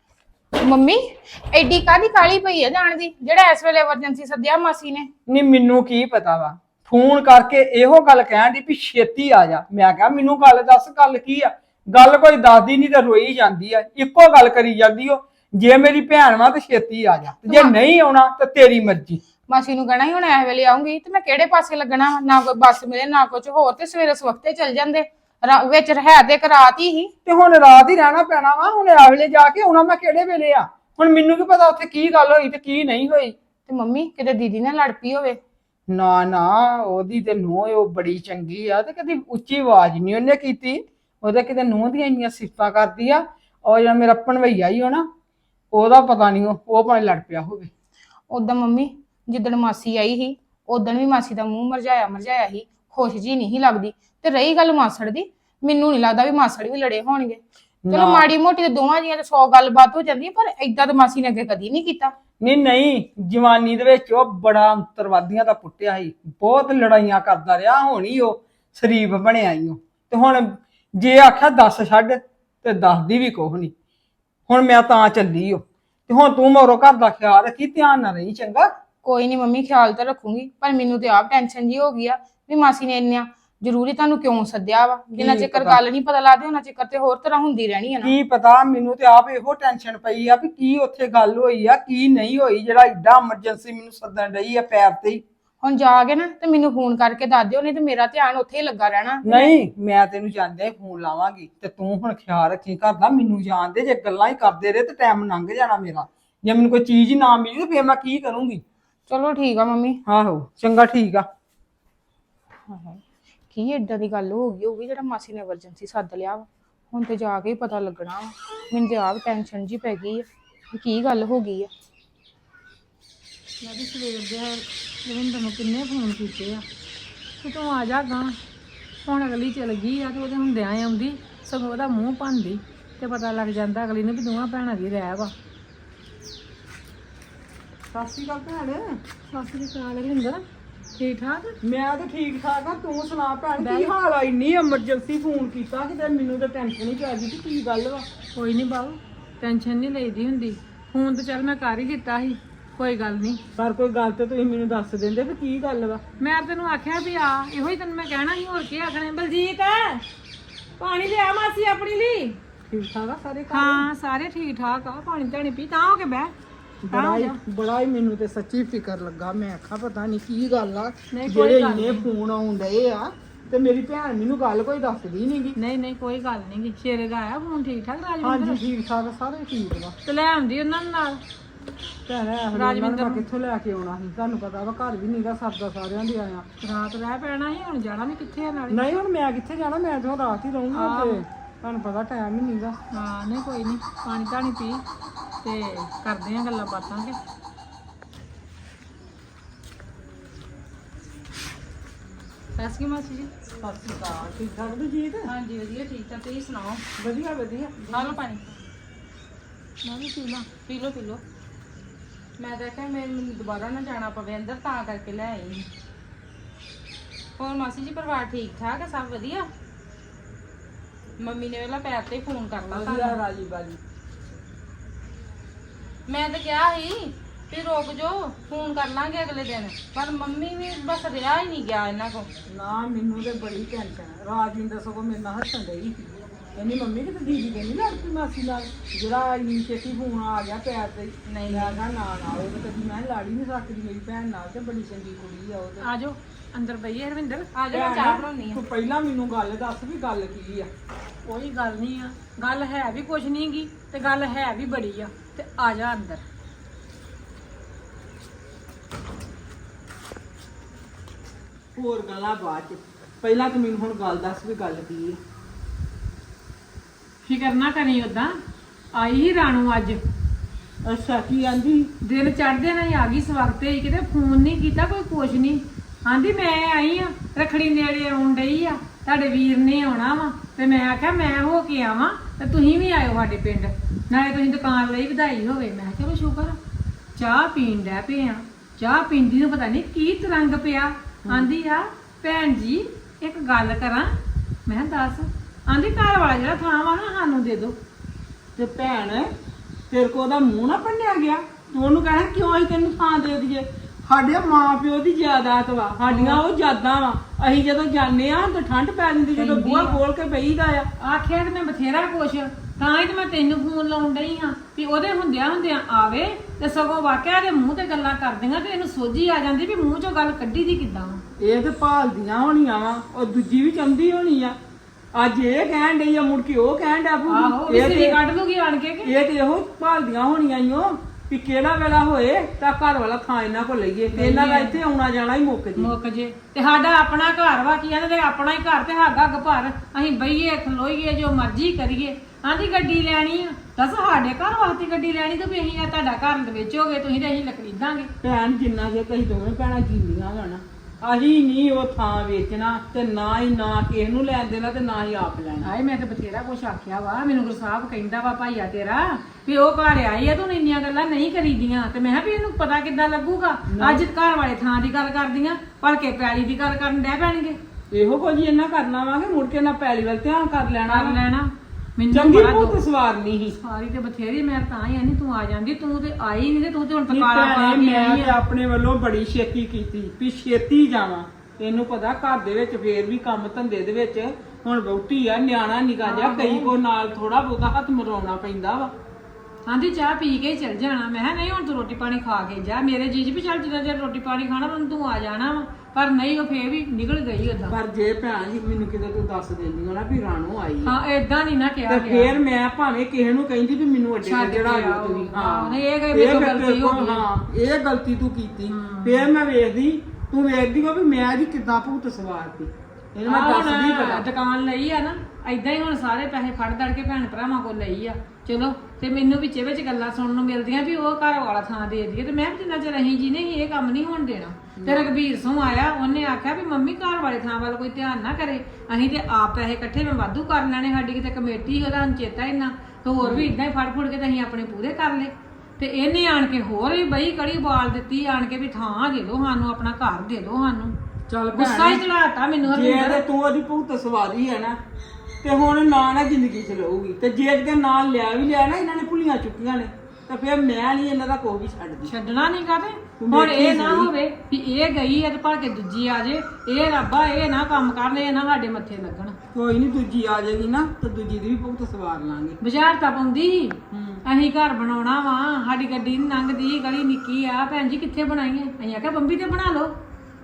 S5: ਮੰਮੀ ਐਡੀ ਕਾਦੀ ਕਾਲੀ ਪਈ ਆ ਜਾਣ ਦੀ, ਜਿਹੜਾ ਇਸ ਵੇਲੇ ਐਮਰਜੈਂਸੀ ਸੱਦਿਆ ਮਾਸੀ ਨੇ?
S6: ਨਹੀਂ ਮੈਨੂੰ ਕੀ ਪਤਾ ਵਾ, ਫੋਨ ਕਰਕੇ ਇਹੋ ਗੱਲ ਕਹਿਣ ਦੀ ਵੀ ਛੇਤੀ ਆ ਜਾ। ਮੈਂ ਕਿਹਾ ਮੈਨੂੰ ਗੱਲ ਦੱਸ, ਗੱਲ ਕੀ ਆ? ਗੱਲ ਕੋਈ ਦੱਸਦੀ ਨਹੀਂ ਤੇ ਰੋਈ ਜਾਂਦੀ ਆ, ਇੱਕੋ ਗੱਲ ਕਰੀ ਜਾਂਦੀ ਓ, ਜੇ ਮੇਰੀ ਭੈਣ ਵਾ ਤੇ ਛੇਤੀ ਆ ਜਾ, ਜੇ ਨਹੀਂ ਆਉਣਾ ਤੇ ਤੇਰੀ ਮਰਜ਼ੀ।
S5: ਮਾਸੀ ਨੂੰ ਕਹਿਣਾ ਸੀ ਹੁਣ ਇਸ ਵੇਲੇ ਆਉਂਗੀ ਤੇ ਮੈਂ ਕਿਹੜੇ ਪਾਸੇ ਲੱਗਣਾ ਵਾ? ਨਾ ਕੋਈ ਬੱਸ ਮਿਲੇ ਨਾ ਕੁਝ ਹੋਰ, ਤੇ ਸਵੇਰੇ ਸਵਖਤੇ ਚੱਲ ਜਾਂਦੇ। ਵਿੱਚ ਹੈ ਤੇ ਇੱਕ ਰਾਤ ਹੀ ਸੀ।
S6: ਤੇ ਹੁਣ ਰਾਤ ਹੀ ਰਹਿਣਾ ਪੈਣਾ ਵਾ, ਹੁਣ ਆ ਵੇਲੇ ਜਾ ਕੇ ਆਉਣਾ ਮੈਂ ਕਿਹੜੇ ਵੇਲੇ ਆ? ਹੁਣ ਮੈਨੂੰ ਕੀ ਪਤਾ ਉੱਥੇ ਕੀ ਗੱਲ ਹੋਈ ਤੇ ਕੀ ਨਹੀਂ ਹੋਈ।
S5: ਤੇ ਮੰਮੀ ਕਿਤੇ ਦੀਦੀ ਨਾਲ ਲੜ ਪਈ ਹੋਵੇ?
S6: ਨਾ ਨਾ, ਉਹਦੀ ਤੇ ਨੂੰਹ ਉਹ ਬੜੀ ਚੰਗੀ ਆ, ਤੇ ਕਦੀ ਉੱਚੀ ਆਵਾਜ਼ ਨਹੀਂ ਉਹਨੇ ਕੀਤੀ। ਉਹਦੇ ਕਿਤੇ ਨੂੰਹ ਦੀਆਂ ਇੰਨੀਆਂ ਸਿਫਤਾਂ ਕਰਦੀ ਆ। ਉਹ ਜਿਹੜਾ ਮੇਰਾ ਭਣਵਈਆ ਹੀ ਹੋ ਨਾ, ਉਹਦਾ ਪਤਾ ਨਹੀਂ ਉਹ ਭਾਵੇਂ ਲੜ ਪਿਆ ਹੋਵੇ।
S5: ਉਦੋਂ ਮੰਮੀ ਜਿੱਦਣ ਮਾਸੀ ਆਈ ਸੀ ਉਦੋਂ ਵੀ ਮਾਸੀ ਦਾ ਮੂੰਹ ਮਰਜਾਇਆ ਸੀ, ਖੁਸ਼ ਜੀ ਨਹੀਂ ਸੀ ਲੱਗਦੀ। ਤੇ ਰਹੀ ਗੱਲ ਮਾਸੜ ਦੀ, ਮੈਨੂੰ ਨਹੀਂ ਲੱਗਦਾ ਵੀ ਮਾਸੜ ਵੀ ਲੜੇ ਹੋਣਗੇ। ਚਲੋ ਮਾੜੀ ਮੋਟੀ ਤੇ ਦੋਵਾਂ ਜੀਆਂ ਤੇ 100 ਗੱਲਬਾਤ ਹੋ ਜਾਂਦੀ ਹੈ, ਪਰ ਏਦਾਂ ਤਾਂ ਮਾਸੀ ਨੇ ਅੱਗੇ ਕਦੀ ਨਹੀਂ ਕੀਤਾ।
S6: ਨਹੀਂ ਜਵਾਨੀ ਦੇ ਵਿੱਚ ਉਹ ਬੜਾ ਅੰਤਰਵਾਦੀਆਂ ਦਾ ਪੁੱਟਿਆ ਸੀ, ਬਹੁਤ ਲੜਾਈਆਂ ਕਰਦਾ ਰਿਹਾ। ਹੁਣ ਹੀ ਉਹ ਸ਼ਰੀਫ ਬਣਿਆ ਈ ਉਹ। ਤੇ ਹੁਣ ਜੇ ਆਖਿਆ ਦੱਸ ਛੱਡ ਤੇ ਦੱਸਦੀ ਵੀ ਕੁਛ ਨਹੀਂ। ਹੁਣ ਮੈਂ ਤਾਂ ਚੱਲੀ ਓ, ਤੇ ਹੁਣ ਤੂੰ ਮੋਰੋ ਘਰ ਦਾ ਖਿਆਲ ਰੱਖੀ, ਧਿਆਨ ਨਾਲ ਰਹੀ, ਚੰਗਾ?
S5: ਕੋਈ ਨਹੀਂ ਮੰਮੀ, ਖਿਆਲ ਤਾਂ ਰੱਖੂਗੀ, ਪਰ ਮੈਨੂੰ ਤੇ ਆਪ ਟੈਨਸ਼ਨ ਜੀ ਹੋ ਗਈ ਆ ਵੀ ਮਾਸੀ ਨੇ ਇੰਨਾ ਜ਼ਰੂਰੀ ਤੁਹਾਨੂੰ ਕਿਉਂ ਸੱਦਿਆ ਵਾ? ਜਿੰਨਾ ਚਿਰ ਗੱਲ ਨਹੀਂ ਪਤਾ ਲੱਗਦੀ ਉਹਨਾਂ ਚਿਰ ਤੇ ਹੋਰ ਤਰ੍ਹਾਂ ਹੁੰਦੀ ਰਹਿਣੀ ਆ ਨਾ।
S6: ਕੀ ਪਤਾ, ਮੈਨੂੰ ਤੇ ਆਪ ਇਹੋ ਟੈਨਸ਼ਨ ਪਈ ਆ ਵੀ ਕੀ ਉੱਥੇ ਗੱਲ ਹੋਈ ਆ ਕੀ ਨਹੀਂ ਹੋਈ, ਜਿਹੜਾ ਏਡਾ ਐਮਰਜੈਂਸੀ ਮੈਨੂੰ ਸੱਦਣ ਰਹੀ ਆ ਪੈਰ ਤੇ ਹੀ।
S5: ਹੁਣ ਜਾ ਕੇ ਨਾ ਤੇ ਮੈਨੂੰ ਫੋਨ ਕਰਕੇ ਦੱਸ ਦਿਓ, ਨਹੀਂ ਤੇ ਮੇਰਾ ਧਿਆਨ ਉੱਥੇ ਹੀ ਲੱਗਾ ਰਹਿਣਾ।
S6: ਨਹੀਂ ਮੈਂ ਤੈਨੂੰ ਜਾਂਦੇ ਫੋਨ ਲਾਵਾਂਗੀ, ਤੇ ਤੂੰ ਹੁਣ ਖਿਆਲ ਰੱਖੀ ਘਰ ਦਾ। ਮੈਨੂੰ ਜਾਣ ਦੇ, ਜੇ ਗੱਲਾਂ ਹੀ ਕਰਦੇ ਰਹੇ ਤੇ ਟਾਈਮ ਲੰਘ ਜਾਣਾ ਮੇਰਾ। ਜੇ ਮੈਨੂੰ ਕੋਈ ਚੀਜ਼ ਹੀ ਨਾ ਮਿਲੀ ਤੇ ਫੇਰ ਮੈਂ ਕੀ ਕਰੂੰਗੀ?
S5: ਚਲੋ ਠੀਕ ਆ ਮੰਮੀ।
S6: ਆਹੋ ਚੰਗਾ, ਠੀਕ ਆ।
S5: ਕੀ ਏਦਾਂ ਦੀ ਗੱਲ ਹੋ ਗਈ ਹੋਊਗੀ ਜਿਹੜਾ ਮਾਸੀ ਨੇ ਐਮਰਜੈਂਸੀ ਸੱਦ ਲਿਆ ਵਾ? ਹੁਣ ਤੇ ਜਾ ਕੇ ਹੀ ਪਤਾ ਲੱਗਣਾ ਵਾ। ਮੈਨੂੰ ਤੇ ਆਪ ਟੈਨਸ਼ਨ ਜੀ ਪੈ ਗਈ ਆ ਵੀ ਕੀ ਗੱਲ ਹੋ ਗਈ ਆ।
S1: ਮੈਂ ਵੀ ਸਵੇਰ ਦੇ ਰਵਿੰਦਰ ਨੂੰ ਕਿੰਨੇ ਫੋਨ ਕੀਤੇ ਆ ਕਿ ਤੂੰ ਆ ਜਾ ਗਾ। ਹੁਣ ਅਗਲੀ ਚਲ ਗਈ ਆ ਤੇ ਉਹਦੇ ਹੁੰਦਿਆਂ ਆਉਂਦੀ, ਸਗੋਂ ਉਹਦਾ ਮੂੰਹ ਭੰਦੀ ਤੇ ਪਤਾ ਲੱਗ ਜਾਂਦਾ ਅਗਲੀ ਨੂੰ ਵੀ ਦੋਵਾਂ ਭੈਣਾਂ ਦੀ ਰਹਿ ਵਾ।
S6: ਸਤਿ ਸ਼੍ਰੀ ਅਕਾਲ ਭੈਣ।
S1: ਸਤਿ ਸ੍ਰੀ ਅਕਾਲ ਰਵਿੰਦਰ, ਠੀਕ ਠਾਕ?
S6: ਮੈਂ ਤਾਂ ਠੀਕ ਠਾਕ ਆ, ਤੂੰ ਸੁਣਾ ਭੈਣ, ਕੀ ਹਾਲ ਆ? ਇੰਨੀ ਐਮਰਜੈਂਸੀ ਫੋਨ ਕੀਤਾ ਕਿਤੇ ਮੈਨੂੰ ਤਾਂ ਟੈਨਸ਼ਨ ਹੀ ਪੈ ਗਈ ਕਿ ਕੀ ਗੱਲ ਵਾ।
S1: ਕੋਈ ਨਹੀਂ ਬਾਬੂ, ਟੈਨਸ਼ਨ ਨਹੀਂ ਲਈਦੀ ਹੁੰਦੀ। ਫੋਨ ਤਾਂ ਚੱਲ ਮੈਂ ਕਰ ਹੀ ਦਿੱਤਾ ਸੀ, ਕੋਈ ਗੱਲ ਨਹੀਂ।
S6: ਪਰ ਕੋਈ ਗੱਲ ਤੇ ਤੁਸੀਂ ਮੈਨੂੰ ਦੱਸ ਦਿੰਦੇ ਵੀ ਕੀ ਗੱਲ ਵਾ।
S1: ਮੈਂ ਤੈਨੂੰ ਆਖਿਆ ਵੀ ਆ, ਇਹੋ ਹੀ ਤੈਨੂੰ ਮੈਂ ਕਹਿਣਾ ਸੀ, ਹੋਰ ਕੀ ਆਖਣਾ। ਬਲਜੀਤ ਪਾਣੀ ਲਿਆ ਮਾਸੀ ਆਪਣੀ ਲਈ।
S6: ਠੀਕ ਠਾਕ ਆ ਸਾਰੇ?
S1: ਹਾਂ ਸਾਰੇ ਠੀਕ ਠਾਕ ਆ। ਪਾਣੀ ਧਾਣੀ ਪੀ ਤਾਂ ਹੋ ਕੇ ਬਹਿ।
S6: ਬੜਾ ਹੀ ਮੈਨੂੰ ਤੇ ਸੱਚੀ ਫਿਕਰ ਲੱਗਾ। ਮੈਂ ਆਖਾਂ ਪਤਾ ਨਹੀਂ ਕੀ ਗੱਲ ਆ,
S1: ਨਹੀਂ, ਕੋਈ
S6: ਜਿਹੜੇ
S1: ਗੱਲ
S6: ਇੰਨੇ ਫੋਨ ਆਉਣ ਡਏ ਆ ਤੇ ਮੇਰੀ ਭੈਣ ਮੈਨੂੰ ਗੱਲ ਕੋਈ ਦੱਸਦੀ ਨਹੀਂਗੀ।
S1: ਨਹੀਂ ਕੋਈ ਗੱਲ ਨਹੀਂ ਗੀ। ਸ਼ੇਰੇ ਦਾ ਆਇਆ ਫੋਨ ਠੀਕ ਠਾਕ
S6: ਹਾਂਜੀ
S1: ਰਾਜਵਿੰਦਰ?
S6: ਠੀਕ ਠਾਕ ਸਾਰੇ ਠੀਕ ਵਾ।
S1: ਤੇ ਲੈ ਆਉਂਦੀ ਉਹਨਾਂ ਨੂੰ ਨਾਲ।
S6: ਭੈਣਾ ਰਾਜਵਿੰਦਰ ਕਿੱਥੋਂ ਲੈ ਕੇ ਆਉਣਾ ਸੀ, ਤੁਹਾਨੂੰ ਪਤਾ ਵਾ ਘਰ ਵੀ ਨੀਗਾ ਸਰਦਾ ਸਾਰਿਆਂ ਦੇ ਆਇਆ।
S1: ਰਾਤ ਰਹਿ ਪੈਣਾ ਸੀ, ਹੁਣ ਜਾਣਾ ਵੀ ਕਿੱਥੇ ਆ ਨਾਲੇ।
S6: ਨਹੀਂ ਹੁਣ ਮੈਂ ਕਿੱਥੇ ਜਾਣਾ, ਮੈਂ ਤਾਂ ਰਾਤ ਹੀ ਰਹੂੰਗੀ ਤੇ ਤੁਹਾਨੂੰ ਪਤਾ ਟਾਈਮ ਹੀ ਨੀਗਾ।
S1: ਹਾਂ ਨਹੀਂ ਕੋਈ ਨਹੀਂ, ਪਾਣੀ ਧਾਣੀ ਪੀ ਤੇ ਕਰਦੇ ਆ ਗੱਲਾਂ ਬਾਤਾਂ ਕੇ। ਸਸਕੀ ਮਾਸੀ ਜੀ।
S6: ਸਤਿ ਸ਼੍ਰੀ ਅਕਾਲ। ਠੀਕ ਠਾਕ ਬਲਜੀਤ?
S1: ਹਾਂਜੀ ਵਧੀਆ ਠੀਕ ਠਾਕ, ਤੁਸੀਂ ਸੁਣਾਓ?
S6: ਵਧੀਆ ਵਧੀਆ।
S5: ਆ ਲਓ ਪਾਣੀ।
S1: ਮੈਂ ਵੀ ਪੀ ਲਾਂ।
S5: ਪੀ ਲਓ ਪੀ ਲਓ। ਮੈਂ ਤਾਂ ਕਿਹਾ ਮੈਨੂੰ ਦੁਬਾਰਾ ਨਾ ਜਾਣਾ ਪਵੇ ਅੰਦਰ, ਤਾਂ ਕਰਕੇ ਲੈ ਆਈ। ਹੋਰ ਮਾਸੀ ਜੀ ਪਰਿਵਾਰ ਠੀਕ ਠਾਕ ਹੈ? ਸਭ ਵਧੀਆ? ਮੰਮੀ ਨੇ ਵੇਲਾ ਪੈਰ ਤੇ ਫੋਨ ਕਰਤਾ
S6: ਵਧੀਆ
S5: ਤੁਹਾਨੂੰ।
S6: ਰਾਜੀ ਬਾਜੀ।
S5: ਮੈਂ ਤਾਂ ਕਿਹਾ ਸੀ ਵੀ ਰੁਕ ਜਾਓ, ਫੋਨ ਕਰ ਲਾਂਗੇ ਅਗਲੇ ਦਿਨ, ਪਰ ਮੰਮੀ ਵੀ ਬਸ ਰਿਹਾ ਹੀ ਨਹੀਂ ਗਿਆ ਇਹਨਾਂ ਕੋਲ।
S6: ਨਾ ਮੈਨੂੰ ਤੇ ਬੜੀ ਟੈਨਸ਼ਨ ਹੈ। ਰਾਜਵਿੰਦਰ ਸਗੋਂ ਮੇਰੇ ਨਾਲ ਹੱਸਣ ਡਈ ਸੀ। ਕਹਿੰਦੀ ਮੰਮੀ ਕਿਤੇ ਦੀਦੀ ਕਹਿੰਦੀ ਲੜ ਪਈ ਮਾਸੀ ਨਾਲ, ਜਿਹੜਾ ਇੰਨੀ ਛੇਤੀ ਫੋਨ ਆ ਗਿਆ ਪੈਰ ਤੇ।
S5: ਨਹੀਂ
S6: ਮੈਂ ਕਿਹਾ ਨਾ ਉਹ ਤਾਂ ਕਦੀ ਮੈਂ ਲੜ ਹੀ ਨਹੀਂ ਸਕਦੀ ਮੇਰੀ ਭੈਣ ਨਾਲ, ਤੇ ਬੜੀ ਚੰਗੀ ਕੁੜੀ ਆ ਉਹ ਤੇ।
S1: ਆ ਜਾਓ ਅੰਦਰ ਬਈਏ ਹਰਵਿੰਦਰ।
S5: ਆ ਜਾ ਮੈਂ ਚਾਹ ਬਣਾਉਣੀ ਆ।
S6: ਤੂੰ ਪਹਿਲਾਂ ਮੈਨੂੰ ਗੱਲ ਦੱਸ ਵੀ ਗੱਲ ਕੀ ਆ।
S1: ਕੋਈ ਗੱਲ ਨਹੀਂ ਆ, ਗੱਲ ਹੈ ਵੀ ਕੁਛ ਨਹੀਂ ਗੀ ਤੇ ਗੱਲ ਹੈ ਵੀ ਬੜੀ ਆ। ਤੇ ਆ ਜਾ ਅੰਦਰ।
S6: ਹੋਰ ਗੱਲਾਂ ਬਾਅਦ ਚ, ਪਹਿਲਾਂ ਤੂੰ ਮੈਨੂੰ ਹੁਣ ਗੱਲ ਦੱਸ ਵੀ ਗੱਲ ਕੀ ਆ।
S1: ਫਿਕਰ ਨਾ ਕਰੀ, ਉਦਾਂ ਆਈ ਹੀ ਰਾਣੂ ਅੱਜ।
S6: ਅੱਛਾ ਕੀ ਆਂਦੀ?
S1: ਦਿਨ ਚੜ੍ਹਦੇ ਨਾਲ ਹੀ ਆ ਗਈ ਸਵਖਤੇ ਹੀ, ਕਿਤੇ ਫੋਨ ਨਹੀਂ ਕੀਤਾ, ਕੋਈ ਕੁਛ ਨਹੀਂ। ਆਂਦੀ ਮੈਂ ਆਈ ਆ, ਰਖੜੀ ਨੇੜੇ ਆਉਣ ਡਈ ਆ, ਤੁਹਾਡੇ ਵੀਰ ਨੇ ਆਉਣਾ ਵਾ, ਤੇ ਮੈਂ ਆਖਿਆ ਮੈਂ ਹੋ ਕੇ ਆਵਾਂ ਤੇ ਤੁਸੀਂ ਵੀ ਆਇਓ ਸਾਡੇ ਪਿੰਡ, ਨਾਲੇ ਤੁਸੀਂ ਦੁਕਾਨ ਲਈ ਵਧਾਈ ਹੋਵੇ। ਮੈਂ ਕਿਹਾ ਚਲੋ ਸ਼ੁਕਰ ਆ। ਚਾਹ ਪੀਣ ਡੈ ਪਏ ਆ। ਚਾਹ ਪੀਂਦੀ ਨੂੰ ਪਤਾ ਨਹੀਂ ਕੀ ਤਰੰਗ ਪਿਆ। ਆਂਦੀ ਆ ਭੈਣ ਜੀ ਇੱਕ ਗੱਲ ਕਰਾਂ। ਮੈਂ ਕਿਹਾ ਦੱਸ। ਆਂਦੀ ਘਰ ਵਾਲਾ ਜਿਹੜਾ ਥਾਂ ਵਾ ਨਾ ਸਾਨੂੰ ਦੇ ਦਿਓ।
S6: ਤੇ ਭੈਣ ਤੇਰੇ ਕੋ ਉਹਦਾ ਮੂੰਹ ਨਾ ਪੰਨਿਆ ਗਿਆ, ਤੂੰ ਉਹਨੂੰ ਕਹਿਣਾ ਕਿਉਂ ਅਸੀਂ ਤੈਨੂੰ ਥਾਂ ਦੇ ਦਈਏ। ਸਾਡੇ ਮਾਂ ਪਿਓ ਦੀ ਜਾਇਦਾਦ ਵਾ, ਸਾਡੀਆਂ ਉਹ ਯਾਦਾਂ ਵਾ। ਅਸੀਂ ਜਦੋਂ ਜਾਂਦੇ ਆ ਤਾਂ ਠੰਡ ਪੈ ਜਾਂਦੀ, ਜਦੋਂ ਬੂਹਾ ਖੋਲ ਕੇ ਬਈਦਾ ਆ।
S1: ਆਖਿਆ ਤੇ ਮੈਂ ਬਥੇਰਾ ਕੁਛ, ਤਾਂ ਹੀ ਤੇ ਮੈਂ ਤੈਨੂੰ ਫੋਨ ਲਾਉਣ ਡਈ ਹਾਂ ਵੀ ਉਹਦੇ ਹੁੰਦਿਆਂ ਆਵੇ ਤੇ ਸਗੋਂ ਵਾਕਿਆ ਦੇ ਮੂੰਹ ਤੇ ਗੱਲਾਂ ਕਰਦੀਆਂ ਤੇ ਇਹਨੂੰ ਸੋਝੀ ਆ ਜਾਂਦੀ ਵੀ ਮੂੰਹ ਚੋਂ ਗੱਲ ਕੱਢੀ ਦੀ ਕਿੱਦਾਂ।
S6: ਇਹ ਤੇ ਭਾਲਦੀਆਂ ਹੋਣੀਆਂ ਵਾ, ਉਹ ਦੂਜੀ ਵੀ ਚਾਹੁੰਦੀ ਹੋਣੀ ਆ। ਅੱਜ ਇਹ ਕਹਿਣ ਡਈ ਆ, ਮੁੜ ਕੇ ਉਹ ਕਹਿਣ ਡਿਆ ਪਊ।
S1: ਆਹੋ ਵੀ ਸਿਰੀ ਕੱਢ ਲੂਗੀ ਆਣ ਕੇ ਕਿ
S6: ਇਹ ਤੇ ਇਹੋ ਭਾਲਦੀਆਂ ਹੋਣੀਆਂ ਈ ਓ ਵੀ ਕਿਹੜਾ ਵੇਲਾ ਹੋਏ ਤਾਂ ਘਰ ਵਾਲਾ ਥਾਂ ਇਹਨਾਂ ਕੋਲ ਲਈਏ, ਤੇ ਇਹਨਾਂ ਦਾ ਇੱਥੇ ਆਉਣਾ ਜਾਣਾ ਹੀ ਮੁੱਕ ਜੇ।
S1: ਮੁੱਕ ਜੇ ਤੇ ਸਾਡਾ ਆਪਣਾ ਘਰ ਵਾ, ਕੀ ਕਹਿੰਦੇ ਆਪਣਾ ਹੀ ਘਰ ਤੇ ਹਾਗਾ ਭਰ, ਅਸੀਂ ਬਈਏ ਖਲੋਈਏ ਜੋ ਮਰਜ਼ੀ ਕਰੀਏ। ਆਂਦੀ ਗੱਡੀ ਲੈਣੀ ਆ, ਦੱਸ ਸਾਡੇ ਘਰ ਵਾਸਤੇ ਗੱਡੀ ਲੈਣੀ ਤੇ ਵੀ ਅਸੀਂ ਆ ਤੁਹਾਡਾ ਘਰ ਦੇ ਵੇਚੋਗੇ ਤੁਸੀਂ ਤੇ ਅਸੀਂ ਖਰੀਦਾਂਗੇ।
S6: ਭੈਣ ਜਿੰਨਾ ਜੇ ਕਹੀ ਦੋਵੇਂ ਭੈਣਾਂ ਜੀਂਦੀਆਂ ਵਾ ਨਾ, ਅਸੀਂ ਨਹੀਂ ਉਹ ਥਾਂ ਵੇਚਣਾ ਤੇ ਨਾ ਹੀ ਨਾ ਕਿਸੇ ਨੂੰ ਲੈਣ ਦੇਣਾ ਤੇ ਨਾ ਹੀ ਆਪ ਲੈਣਾ।
S1: ਹਾਏ ਮੈਂ ਤੇ ਬਥੇਰਾ ਕੁਛ ਆਖਿਆ ਵਾ, ਮੈਨੂੰ ਗੁਰਸਾਹਿਬ ਕਹਿੰਦਾ ਵਾ ਭਾਈਆ ਤੇਰਾ ਵੀ ਉਹ ਘਰ ਆਈ ਆ, ਤੂੰ ਇੰਨੀਆਂ ਗੱਲਾਂ ਨਹੀਂ ਕਰੀਦੀਆਂ। ਤੇ ਮੈਂ ਕਿਹਾ ਵੀ ਇਹਨੂੰ ਪਤਾ ਕਿੱਦਾਂ ਲੱਗੂਗਾ। ਅੱਜ ਘਰ ਵਾਲੇ ਥਾਂ ਦੀ ਗੱਲ ਕਰਦੀਆਂ, ਭਲਕੇ ਪੈਲੀ ਦੀ ਗੱਲ ਕਰਨ ਡੈ ਪੈਣਗੇ।
S6: ਇਹੋ ਕੁਝ ਇਹਨਾਂ ਕਰਨਾ ਵਾ ਕਿ ਮੁੜ ਕੇ ਨਾ ਪੈਲੀ ਵੱਲ ਧਿਆਨ ਕਰ ਲੈਣਾ।
S1: ਕਰ ਲੈਣਾ। ਮੈਨੂੰ
S6: ਚੰਗੀ
S1: ਬੜਾ
S6: ਬਹੁਤ
S1: ਦੁੱਖ।
S6: ਸਵਾਰ ਨਹੀਂ ਸੀ।
S1: ਸਾਰੀ ਤੇ ਬਥੇਰੀ, ਮੈਂ ਤਾਂ ਹੀ ਆਨੀ ਤੂੰ ਆ ਜਾਂਦੀ, ਤੂੰ ਤੇ ਆਈ ਨਹੀਂ ਤੇ ਤੂੰ ਤੇ ਹੁਣ
S6: ਨਹੀਂ
S1: ਤਕਾਲਾ ਪਾ
S6: ਭੈਣੇ,
S1: ਕੇ
S6: ਮੈਂ
S1: ਆਈ
S6: ਤੇ
S1: ਆ।
S6: ਆਪਣੇ ਵੱਲੋਂ ਬੜੀ ਛੇਤੀ ਕੀਤੀ ਵੀ ਛੇਤੀ ਜਾਵਾਂ। ਤੈਨੂੰ ਪਤਾ ਘਰ ਦੇ ਵਿੱਚ ਫੇਰ ਵੀ ਕੰਮ ਧੰਦੇ ਦੇ ਵਿੱਚ ਹੁਣ ਵਹੁਟੀ ਆ, ਨਿਆਣਾ ਨਿਕਾ ਜਾ, ਕਈ ਕੋ ਨਾਲ ਥੋੜਾ ਬਹੁਤਾ ਹੱਥ ਮਰਾਉਣਾ ਪੈਂਦਾ ਵਾ।
S1: ਆਂਦੀ ਚਾਹ ਪੀ ਕੇ ਹੀ ਚਲ ਜਾਣਾ। ਮੈਂ ਕਿਹਾ ਨਹੀਂ ਹੁਣ ਤੂੰ ਰੋਟੀ ਪਾਣੀ ਖਾ ਕੇ ਜਾ। ਮੇਰੇ ਜੀਜ ਵੀ ਚੱਲ ਜਿੱਦਾਂ ਜੇ ਰੋਟੀ ਪਾਣੀ ਖਾਣਾ ਹੁਣ ਤੂੰ ਆ ਜਾਣਾ ਵਾ, ਪਰ ਨਹੀਂ ਉਹ ਫੇਰ ਵੀ ਨਿਕਲ ਗਈ ਓਦਾਂ।
S6: ਪਰ ਜੇ ਭੈਣ ਜੀ ਮੈਨੂੰ ਕਿਤੇ ਤੂੰ ਦੱਸ ਦਿੰਦੀ ਹੋ ਨਾ ਵੀ ਰਾਣੋ ਆਈ ਆ,
S1: ਹਾਂ ਏਦਾਂ ਨਹੀਂ ਨਾ ਕਿਹਾ
S6: ਤੇ
S1: ਗਿਆ।
S6: ਫੇਰ ਮੈਂ ਭਾਵੇਂ ਕਿਸੇ ਨੂੰ ਕਹਿੰਦੀ ਵੀ ਮੈਨੂੰ ਅੱਡੇ
S1: ਛੱਡ
S6: ਤੇ
S1: ਕੇ
S6: ਚੜਾ ਦਿਓ
S1: ਆਓ।
S6: ਤੁਸੀਂ।
S1: ਹਾਂ, ਨਹੀਂ ਇਹ
S6: ਇਹ
S1: ਮੇਰੇ ਤੋਂ
S6: ਫਿਰ
S1: ਗਲਤੀ
S6: ਤੇਰੇ
S1: ਹੋ
S6: ਕੋਲ-
S1: ਗਈ।
S6: ਹਾਂ ਇਹ ਗਲਤੀ ਤੂੰ ਕੀਤੀ। ਫੇਰ ਮੈਂ ਵੇਖਦੀ, ਤੂੰ ਵੇਖਦੀ ਹੋ ਵੀ ਮੈਂ ਇਹਦੀ ਕਿੱਦਾਂ ਭੂਤ ਸਵਾਰਤੀ। ਇਹਨੂੰ ਮੈਂ ਦੱਸਦੀ ਪਤਾ।
S1: ਦੁਕਾਨ ਲਈ ਆ ਨਾ, ਏਦਾਂ ਹੀ ਹੁਣ ਸਾਰੇ ਪੈਸੇ ਫੜ ਦੜ ਕੇ ਭੈਣ ਭਰਾਵਾਂ ਕੋਲ ਲਈ ਆ। ਚਲੋ ਤੇ ਮੈਨੂੰ ਵਿੱਚੇ ਵਿੱਚ ਗੱਲਾਂ ਸੁਣਨ ਨੂੰ ਮਿਲਦੀਆਂ ਵੀ ਉਹ ਘਰ ਵਾਲਾ ਥਾਂ ਦੇ ਦਈਏ, ਤੇ ਮੈਂ ਵੀ ਜਿੰਨਾ ਚਿਰ ਅਸੀਂ ਜੀ ਨੇ ਇਹ ਕੰਮ ਨਹੀਂ ਹੋਣ ਦੇਣਾ। ਤੇ ਰਘਬੀਰ ਸਿੰਘ ਆਇਆ, ਉਹਨੇ ਆਖਿਆ ਵੀ ਮੰਮੀ ਘਰ ਵਾਲੇ ਥਾਂ ਵੱਲ ਕੋਈ ਧਿਆਨ ਨਾ ਕਰੇ, ਅਸੀਂ ਤੇ ਆਪ ਪੈਸੇ ਇਕੱਠੇ ਮੈਂ ਵਾਧੂ ਕਰ ਲੈਣੇ, ਸਾਡੀ ਕਿਤੇ ਕਮੇਟੀ ਉਹਦਾ ਹੁਣ ਚੇਤਾ ਇੰਨਾ, ਤੇ ਹੋਰ ਵੀ ਇਦਾਂ ਹੀ ਫੜ ਫੁੜ ਕੇ ਤੇ ਅਸੀਂ ਆਪਣੇ ਪੂਰੇ ਕਰ ਲਏ। ਤੇ ਇਹਨੇ ਆਣ ਕੇ ਹੋਰ ਵੀ ਬਈ ਕੜੀ ਬਾਲ ਦਿੱਤੀ ਆਣ ਕੇ ਵੀ ਥਾਂ ਦੇ ਦਿਓ ਸਾਨੂੰ, ਆਪਣਾ ਘਰ ਦੇ ਦਿਓ ਸਾਨੂੰ।
S6: ਚੱਲ
S1: ਗੁੱਸਾ ਹੀ ਚੜਾਤਾ ਮੈਨੂੰ
S6: ਜੇ
S1: ਹਰਵਿੰਦਰ।
S6: ਤੇ ਤੂੰ ਉਹਦੀ ਭੂਤ ਸਵਾਰੀ ਹੈ ਨਾ, ਤੇ ਹੁਣ ਨਾ ਜ਼ਿੰਦਗੀ ਚ ਲਊਗੀ। ਤੇ ਜੇ ਕਿਤੇ ਨਾਲ ਲਿਆ ਵੀ ਲਿਆ ਨਾ, ਇਹਨਾਂ ਨੇ ਭੁੱਲੀਆਂ ਚੁੱਕੀਆਂ ਨੇ, ਤਾਂ ਫਿਰ ਮੈਂ ਨਹੀਂ ਇਹਨਾਂ ਦਾ ਕੋਈ ਵੀ ਛੱਡਦੀ।
S1: ਛੱਡਣਾ ਨਹੀਂ ਕਾਤੇ
S6: ਤੂੰ
S1: ਹੁਣ
S6: ਵੇਖੀ
S1: ਇਹ ਨਾ
S6: ਸਹੀ।
S1: ਹੋਵੇ ਵੀ ਇਹ ਗਈ ਹੈ ਤੇ ਭੜ ਕੇ ਦੂਜੀ ਆ ਜੇ। ਇਹ ਰੱਬਾ ਇਹ ਨਾ ਕੰਮ ਕਰਨ, ਇਹ ਨਾ ਸਾਡੇ ਮੱਥੇ ਲੱਗਣ।
S6: ਕੋਈ ਨਹੀਂ, ਦੂਜੀ ਆ ਜਾਏਗੀ ਨਾ ਤੇ ਦੂਜੀ ਦੀ ਵੀ ਭੂਤ ਸਵਾਰ ਲਾਂਗੇ।
S1: ਬਾਜ਼ਾਰ ਤਾਂ ਪਾਉਂਦੀ ਸੀ, ਅਸੀਂ ਘਰ ਬਣਾਉਣਾ ਵਾ, ਸਾਡੀ ਗੱਡੀ ਨੀ ਲੰਘਦੀ, ਗਲੀ ਨਿੱਕੀ ਆ, ਭੈਣ ਜੀ ਕਿੱਥੇ ਬਣਾਈਏ? ਅਸੀਂ ਆਖਿਆ ਬੰਬੀ ਤੇ ਬਣਾ ਲਓ।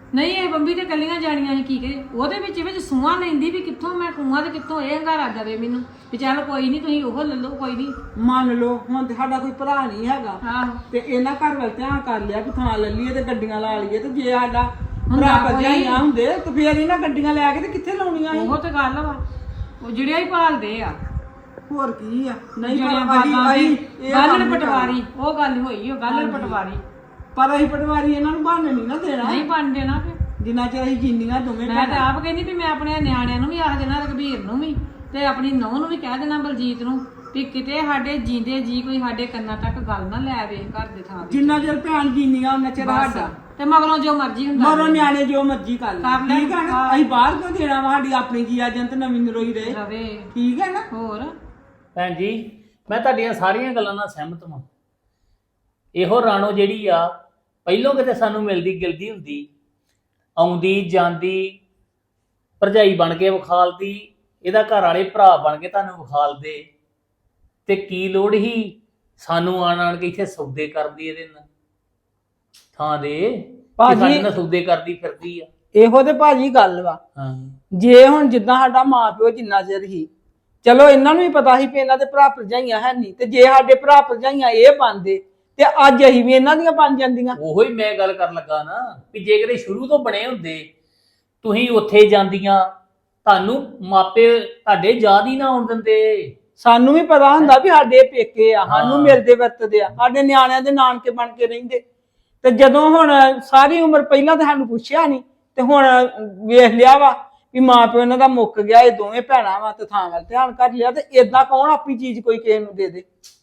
S1: ਨਹੀਂ ਇਹ ਬੰਬੀ ਤੇ ਕੱਲੀਆਂ ਜਾਣੀਆਂ ਸੀ ਕੀ ਕਰੇ ਉਹਦੇ ਵਿੱਚ ਸੂਆਂ ਲੈਂਦੀ ਵੀ ਕਿੱਥੋਂ ਮੈਂ ਕੂਆਂ ਤੇ ਕਿੱਥੋਂ ਇਹ ਹੰਗਾਰਾ ਜਾਵੇ ਮੈਨੂੰ ਵੀ ਚੱਲ ਕੋਈ ਨਹੀਂ ਤੁਸੀਂ ਉਹ ਲੈ ਲਓ ਕੋਈ ਨਹੀਂ।
S6: ਮੰਨ ਲਓ ਹੁਣ ਤੇ ਸਾਡਾ ਕੋਈ ਭਰਾ ਨਹੀਂ ਹੈਗਾ
S1: ਆਹੋ
S6: ਤੇ ਇਹਨਾਂ ਘਰ ਵੱਲ ਧਿਆਨ ਕਰ ਲਿਆ ਕਿ ਥਾਂ ਲੈ ਲਈਏ ਤੇ ਗੱਡੀਆਂ ਲਾ ਲਈਏ ਤੇ ਜੇ ਸਾਡਾ ਭਰਾ ਭਰਜਾਈਆਂ ਹੁੰਦੇ ਤੇ ਫੇਰ ਇਹਨਾਂ ਗੱਡੀਆਂ ਲੈ ਕੇ ਤੇ ਕਿੱਥੇ ਲਾਉਣੀਆਂ ਸੀ?
S1: ਉਹ ਤੇ ਗੱਲ ਵਾ ਉਹ ਜਿਹੜਿਆ ਹੀ ਭਾਲਦੇ ਆ
S6: ਹੋਰ ਕੀ ਆ ਨਹੀਂ
S1: ਜਿਹੜੀਆਂ
S6: ਪਰ ਅਸੀਂ
S1: ਬਾਤਾਂ
S6: ਅਸੀਂ
S1: ਦੀ
S6: ਇਹ
S1: ਗਾਲਣ
S6: ਕੰਮ ਨਹੀਂ
S1: ਪਟਵਾਰੀ ਉਹ ਗੱਲ ਹੋਈ ਉਹ ਗਾਲਣ ਪਟਵਾਰੀ
S6: ਪਰ ਅਸੀਂ ਪਟਵਾਰੀ ਇਹਨਾਂ ਨੂੰ ਬਹਾਨੇ ਨਹੀਂ ਨਾ ਦੇਣਾ
S1: ਨਹੀਂ ਬਣ ਦੇਣਾ ਫਿਰ।
S6: ਜਿੰਨਾ ਚਿਰ ਅਸੀਂ ਜੀਨੀਆਂ ਦੋਵੇਂ
S1: ਮੈਂ ਤਾਂ ਆਪ ਕਹਿੰਦੀ ਵੀ ਮੈਂ ਆਪਣੇ ਨਿਆਣਿਆਂ ਨੂੰ ਵੀ ਆਖ ਦੇਣਾ ਰਘਬੀਰ ਨੂੰ ਵੀ ਤੇ ਆਪਣੀ ਨੂੰਹ ਨੂੰ ਵੀ ਕਹਿ ਦੇਣਾ ਬਲਜੀਤ ਨੂੰ ਵੀ ਕਿਤੇ ਸਾਡੇ ਜੀਂਦੇ ਜੀ ਕੋਈ ਸਾਡੇ ਕੰਨਾਂ ਤੱਕ ਗੱਲ ਨਾ ਲੈ ਵੇ ਘਰ ਦੇ ਥਾਂ ਤੇ।
S6: ਜਿੰਨਾ ਚਿਰ ਭੈਣ ਜੀਨੀਆਂ ਉਹਨਾਂ ਚਿਰ
S1: ਬਸ।
S6: ਸਾਡਾ
S1: ਤੇ ਮਗਰੋਂ ਜੋ ਮਰਜ਼ੀ ਹੁੰਦਾ
S6: ਮਰੋ ਨਿਆਣੇ ਜੋ ਮਰਜ਼ੀ ਕਰ ਲੈ
S1: ਕਰ ਲੈਣ।
S6: ਠੀਕ ਹੈ ਨਾ ਅਸੀਂ ਬਾਹਰ ਕਿਉਂ ਦੇਣਾ ਵਾ ਸਾਡੀ ਆਪਣੀ ਜੀ ਏਜੰਟ ਨਵੀਂ ਨਰੋਈ ਰਹੇ
S1: ਰਵੇ
S6: ਠੀਕ ਹੈ ਨਾ
S1: ਹੋਰ
S3: ਭੈਣ ਜੀ ਮੈਂ ਤੁਹਾਡੀਆਂ ਸਾਰੀਆਂ ਗੱਲਾਂ ਨਾਲ ਸਹਿਮਤ ਹਾਂ। ਇਹੋ ਰਾਣੋ ਜਿਹੜੀ ਆ ਪਹਿਲੋਂ ਕਿਤੇ ਸਾਨੂੰ ਮਿਲਦੀ ਗਿਲਦੀ ਹੁੰਦੀ ਆਉਂਦੀ ਜਾਂਦੀ ਭਰਜਾਈ ਬਣ ਕੇ ਵਿਖਾਲਦੀ ਇਹਦਾ ਘਰ ਵਾਲੇ ਭਰਾ ਬਣ ਕੇ ਤੁਹਾਨੂੰ ਵਿਖਾਲਦੇ ਤੇ ਕੀ ਲੋੜ ਹੀ ਸਾਨੂੰ ਆਣ ਕੇ ਇੱਥੇ ਸੌਦੇ ਕਰਦੀ ਇਹਦੇ ਨਾਲ ਥਾਂ ਦੇ
S6: ਭਾਜੀ-
S3: ਸਾਡੇ ਨਾਲ ਸੌਦੇ ਕਰਦੀ ਫਿਰਦੀ ਆ।
S6: ਇਹੋ ਤੇ ਭਾਜੀ ਗੱਲ ਵਾ
S3: ਹਾਂ
S6: ਜੇ ਹੁਣ ਜਿੱਦਾਂ ਸਾਡਾ ਮਾਪਿਓ ਜਿੰਨਾ ਚਿਰ ਹੀ ਚਲੋ ਇਹਨਾਂ ਨੂੰ ਵੀ ਪਤਾ ਸੀ ਵੀ ਇਹਨਾਂ ਦੇ ਭਰਾ ਭਰਜਾਈਆਂ ਹੈ ਨਹੀਂ ਤੇ ਜੇ ਸਾਡੇ ਭਰਾ ਭਰਜਾਈਆਂ ਇਹ ਬਣਦੇ ਤੇ ਅੱਜ ਅਸੀਂ ਵੀ ਇਹਨਾਂ ਦੀਆਂ ਬਣ ਜਾਂਦੀਆਂ।
S3: ਉਹੋ ਹੀ ਮੈਂ ਗੱਲ ਕਰਨ ਲੱਗਾ ਨਾ ਵੀ ਜੇ ਕਿਤੇ ਸ਼ੁਰੂ ਤੋਂ ਬਣੇ ਹੁੰਦੇ ਤੁਸੀਂ ਉੱਥੇ ਜਾਂਦੀਆਂ ਤੁਹਾਨੂੰ ਮਾਪੇ ਤੁਹਾਡੇ ਯਾਦ ਹੀ ਨਾ ਆਉਣ ਦਿੰਦੇ।
S6: ਸਾਨੂੰ ਵੀ ਪਤਾ ਹੁੰਦਾ ਵੀ ਸਾਡੇ ਪੇਕੇ ਆ ਸਾਨੂੰ
S3: ਹਾਂ।
S6: ਮਿਲਦੇ ਵਰਤਦੇ ਆ ਸਾਡੇ ਨਿਆਣਿਆਂ ਦੇ ਨਾਨਕੇ ਬਣ ਕੇ ਰਹਿੰਦੇ ਤੇ ਜਦੋਂ ਹੁਣ ਸਾਰੀ ਉਮਰ ਪਹਿਲਾਂ ਤਾਂ ਸਾਨੂੰ ਪੁੱਛਿਆ ਨਹੀਂ ਤੇ ਹੁਣ ਵੇਖ ਲਿਆ ਵਾ ਵੀ ਮਾਂ ਪਿਓ ਇਹਨਾਂ ਦਾ ਮੁੱਕ ਗਿਆ ਇਹ ਦੋਵੇਂ ਭੈਣਾਂ ਵਾ ਤੇ ਥਾਂ ਵੱਲ ਧਿਆਨ ਕਰ ਲਿਆ ਤੇ ਏਦਾਂ ਕੌਣ ਆਪਣੀ ਚੀਜ਼ ਕੋਈ ਕਿਸੇ ਨੂੰ ਦੇ ਦੇ।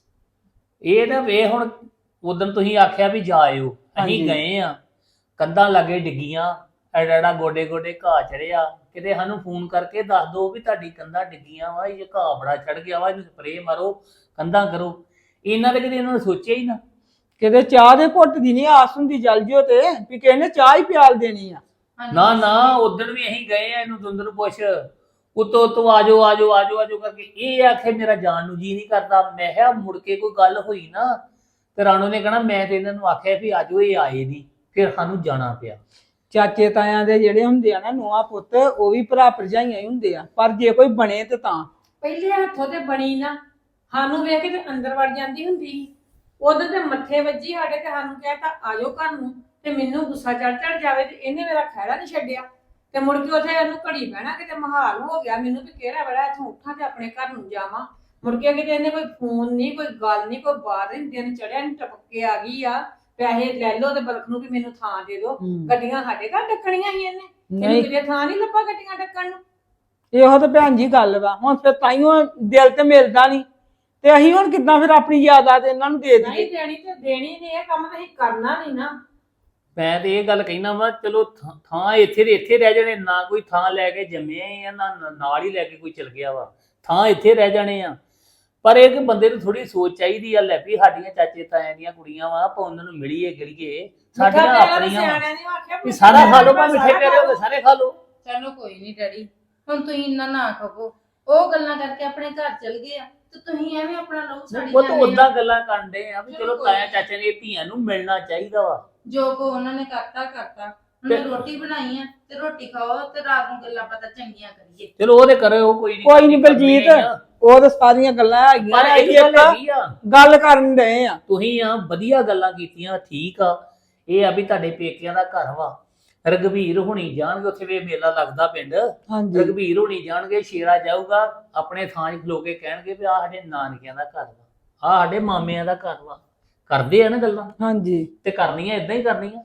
S3: ਇਹ ਨਾ ਵੇ ਹੁਣ ਉਦੋਂ ਤੁਸੀਂ ਆਖਿਆ ਵੀ ਜਾਇਓ
S6: ਹਾਂਜੀ।
S3: ਅਸੀਂ ਗਏ ਆ ਕੰਧਾਂ ਲਾਗੇ ਡਿੱਗੀਆਂ ਐਡਾ ਗੋਡੇ ਗੋਡੇ ਘਾਹ ਚੜਿਆ ਕਿਤੇ ਸਾਨੂੰ ਫੋਨ ਕਰਕੇ ਦੱਸ ਦਿਓ ਵੀ ਤੁਹਾਡੀ ਕੰਧਾਂ ਡਿੱਗੀਆਂ ਵਾ ਇਹ ਘਾਹ ਬੜਾ ਚੜ ਗਿਆ ਵਾ ਇਹਨੂੰ ਸਪਰੇਅ ਮਾਰੋ ਕੰਧਾਂ ਕਰੋ ਇਹਨਾਂ ਦੇ ਕਦੇ ਇਹਨਾਂ ਨੇ ਸੋਚਿਆ ਹੀ ਨਾ।
S6: ਕਿਤੇ ਚਾਹ ਦੇ ਘੁੱਟ ਦੀ ਨਹੀਂ ਆਸ ਹੁੰਦੀ ਜਲ ਜਿਓ ਤੇ ਵੀ ਕਿਸੇ ਨੇ ਚਾਹ ਹੀ ਪਿਆਲ ਦੇਣੀ ਆ।
S3: ਨਾ ਨਾ ਉਦੋਂ ਵੀ ਅਸੀਂ ਗਏ ਆ ਇਹਨੂੰ ਦੁੰਦਰ ਪੁੱਛ ਉਤੋਂ ਤੋਂ ਆਜੋ ਆਜੋ ਆਜੋ ਆਜੋ ਕਰਕੇ ਇਹ ਆਖੇ ਮੇਰਾ ਜਾਣ ਨੂੰ ਜੀ ਨਹੀਂ ਕਰਦਾ। ਮੈਂ ਕਿਹਾ ਮੁੜ ਕੇ ਕੋਈ ਗੱਲ ਹੋਈ ਨਾ ਤੇ ਰਾਣੋ ਨੇ ਕਹਿਣਾ ਮੈਂ ਤੇ ਇਹਨਾਂ ਨੂੰ ਆਖਿਆ ਵੀ ਆਜੋ ਇਹ ਆਏ ਨਹੀਂ ਫਿਰ ਸਾਨੂੰ ਜਾਣਾ ਪਿਆ।
S6: ਚਾਚੇ ਤਾਇਆਂ ਦੇ ਜਿਹੜੇ ਹੁੰਦੇ ਆ ਨਾ ਨੂੰਹਾਂ ਪੁੱਤ ਉਹ ਵੀ ਭਰਾ ਭਰਜਾਈਆਂ ਹੀ ਹੁੰਦੇ ਆ ਪਰ ਜੇ ਕੋਈ ਬਣੇ ਤੇ ਤਾਂ
S1: ਪਹਿਲੇ ਹੱਥੋਂ ਤੇ ਬਣੀ ਨਾ ਸਾਨੂੰ ਵੇਖ ਕੇ ਤੇ ਅੰਦਰ ਵੜ ਜਾਂਦੀ ਹੁੰਦੀ ਸੀ। ਉਦੋਂ ਤੇ ਮੱਥੇ ਵੱਜੀ ਸਾਡੇ ਤੇ ਸਾਨੂੰ ਕਹਿਤਾ ਆਜੋ ਘਰ ਨੂੰ ਤੇ ਮੈਨੂੰ ਗੁੱਸਾ ਚੜ ਜਾਵੇ ਤੇ ਇਹਨੇ ਮੇਰਾ ਖਹਿੜਾ ਨਹੀਂ ਛੱਡਿਆ ਤੇ ਮੁੜ ਕੇ ਉੱਥੇ ਇਹਨੂੰ ਘੜੀ ਬਹਿਣਾ ਕਿਤੇ ਮਹਾਲ ਹੋ ਗਿਆ ਮੈਨੂੰ ਵੀ ਕਿਹੜਾ ਵੇਲਾ ਇੱਥੋਂ ਉੱਠਾਂ ਤੇ ਆਪਣੇ ਘਰ ਨੂੰ ਜਾਵਾਂ। ਮੁੜ ਕੇ ਕਿਤੇ ਇਹਨੇ ਕੋਈ ਫੋਨ ਨਹੀਂ ਕੋਈ ਗੱਲ ਨਹੀਂ ਕੋਈ ਬਾਤ ਨਹੀਂ ਦਿਨ ਚੜਿਆ ਨਹੀਂ ਟਪਕ ਕੇ ਆ ਗਈ ਆ ਪੈਸੇ ਲੈ ਲਓ ਤੇ ਬਲਕ ਨੂੰ ਵੀ ਮੈਨੂੰ ਥਾਂ ਦੇ ਦਿਓ। ਗੱਡੀਆਂ ਸਾਡੇ ਘਰ ਡੱਕਣੀਆਂ ਸੀ ਇਹਨੇ
S6: ਨਹੀਂ
S1: ਕਿਤੇ ਥਾਂ ਨਹੀਂ ਲੱਭਾ ਗੱਡੀਆਂ ਡੱਕਣ ਨੂੰ।
S6: ਇਹੋ ਤਾਂ ਭੈਣ ਜੀ ਗੱਲ ਵਾ ਹੁਣ ਫਿਰ ਤਾਈਓ ਦਿਲ ਤੇ ਮਿਲਦਾ ਨਹੀਂ ਤੇ ਅਸੀਂ ਹੁਣ ਕਿੱਦਾਂ ਫਿਰ ਆਪਣੀ ਯਾਦਾਂ ਇਹਨਾਂ ਨੂੰ ਦੇ
S1: ਨਹੀਂ
S6: ਦਈਏ।
S1: ਦੇਣੀ ਤੇ ਦੇਣੀ ਨਹੀਂ ਇਹ ਕੰਮ ਤਾਂ ਅਸੀਂ ਕਰਨਾ ਨਹੀਂ ਨਾ।
S3: ਮੈਂ ਤੇ ਇਹ ਗੱਲ ਕਹਿਣਾ ਵਾ ਚਲੋ ਥਾਂ ਇੱਥੇ ਦੇ ਇੱਥੇ ਰਹਿ ਜਾਣੇ ਨਾ ਕੋਈ ਥਾਂ ਲੈ ਕੇ ਜੰਮੇ ਆ ਨਾ ਨਾਲ ਹੀ ਲੈ ਕੇ ਕੋਈ ਚਲ ਗਿਆ ਵਾ ਥਾਂ ਇੱਥੇ ਰਹਿ ਜਾਣੇ ਆ। ਪਰ ਇੱਕ ਬੰਦੇ ਨੂੰ ਥੋੜੀ ਸੋਚ ਚਾਹੀਦੀ ਆ ਲੈ ਵੀ ਸਾਡੀਆਂ ਚਾਚੇ ਤਾਇਆਂ ਦੀਆਂ ਕੁੜੀਆਂ ਵਾ ਆਪਾਂ ਉਹਨਾਂ ਨੂੰ ਮਿਲੀਏ ਗਿਲੀਏ ਸਾਡੀਆਂ ਆਪਣੀਆਂ ਵਾ। ਵੀ ਸਾਰਾ ਖਾ ਲਓ ਭਾਵੇਂ ਮਿੱਠੇ ਪਿਆਰੇ ਹੋ ਗਏ ਸਾਰੇ ਖਾ ਲਓ।
S7: ਚਲੋ ਕੋਈ ਨਹੀਂ ਡੈਡੀ ਹੁਣ ਤੁਸੀਂ ਇੰਨਾ ਨਾ ਕਹੋ ਉਹ ਗੱਲਾਂ ਕਰਕੇ ਆਪਣੇ ਘਰ ਚਲ ਗਏ ਆ ਤੇ ਤੁਸੀਂ ਐਵੇਂ ਆਪਣਾ ਲੋਕ ਸਾੜੀ
S3: ਉਹ ਤਾਂ
S7: ਜਾਂਦੇ
S3: ਉਦਾਂ
S7: ਆ।
S3: ਗੱਲਾਂ ਕਰਦੇ ਆ ਵੀ ਚਲੋ ਤਾਇਆ ਚਾਚੇ ਨੇ ਧੀਆਂ ਨੂੰ ਮਿਲਣਾ ਚਾਹੀਦਾ ਵਾ।
S7: ਜੋ ਕੋ ਉਹਨਾਂ ਨੇ ਕਰਤਾ ਉਹਨੇ ਰੋਟੀ ਬਣਾਈ ਆ ਤੇ ਰੋਟੀ ਖਾਓ ਤੇ ਰਾਤ ਨੂੰ ਗੱਲਾਂ ਪਤਾ ਚੰਗੀਆਂ ਕਰੀਏ।
S3: ਚਲੋ ਉਹਦੇ ਕਰੇ ਉਹ ਕੋਈ ਨਹੀਂ
S6: ਕੋਈ ਨਹੀਂ ਬਲਜੀਤ ਉਹ ਤਾਂ ਸਾਰੀਆਂ ਗੱਲਾਂ ਹੈਗੀਆਂ
S3: ਪਰ
S6: ਅਸੀਂ
S3: ਇਹ ਗੱਲ
S6: ਇੱਕ
S3: ਹੈਗੀ ਆ
S6: ਗੱਲ ਕਰਨ ਡਏ ਆ।
S3: ਤੁਸੀਂ ਆ ਵਧੀਆ ਗੱਲਾਂ ਕੀਤੀਆਂ ਠੀਕ ਆ ਇਹ ਆ ਵੀ ਤੁਹਾਡੇ ਪੇਕਿਆਂ ਦਾ ਘਰ ਵਾ ਰਘਬੀਰ ਹੋਣੀ ਜਾਣਗੇ ਉੱਥੇ ਵੀ ਮੇਲਾ ਲੱਗਦਾ ਪਿੰਡ
S6: ਹਾਂਜੀ
S3: ਰਘਬੀਰ ਹੋਣੀ ਜਾਣਗੇ ਸ਼ੇਰਾ ਜਾਊਗਾ ਆਪਣੇ ਥਾਂ 'ਚ ਖਲੋ ਕੇ ਕਹਿਣਗੇ ਵੀ ਆ ਸਾਡੇ ਨਾਨਕਿਆਂ ਦਾ ਘਰ ਵਾ ਆ ਸਾਡੇ ਮਾਮਿਆਂ ਦਾ ਘਰ ਵਾ ਕਰਦੇ ਆ ਨਾ ਗੱਲਾਂ
S6: ਹਾਂਜੀ
S3: ਤੇ ਕਰਨੀਆਂ ਇਦਾਂ ਹੀ ਕਰਨੀਆਂ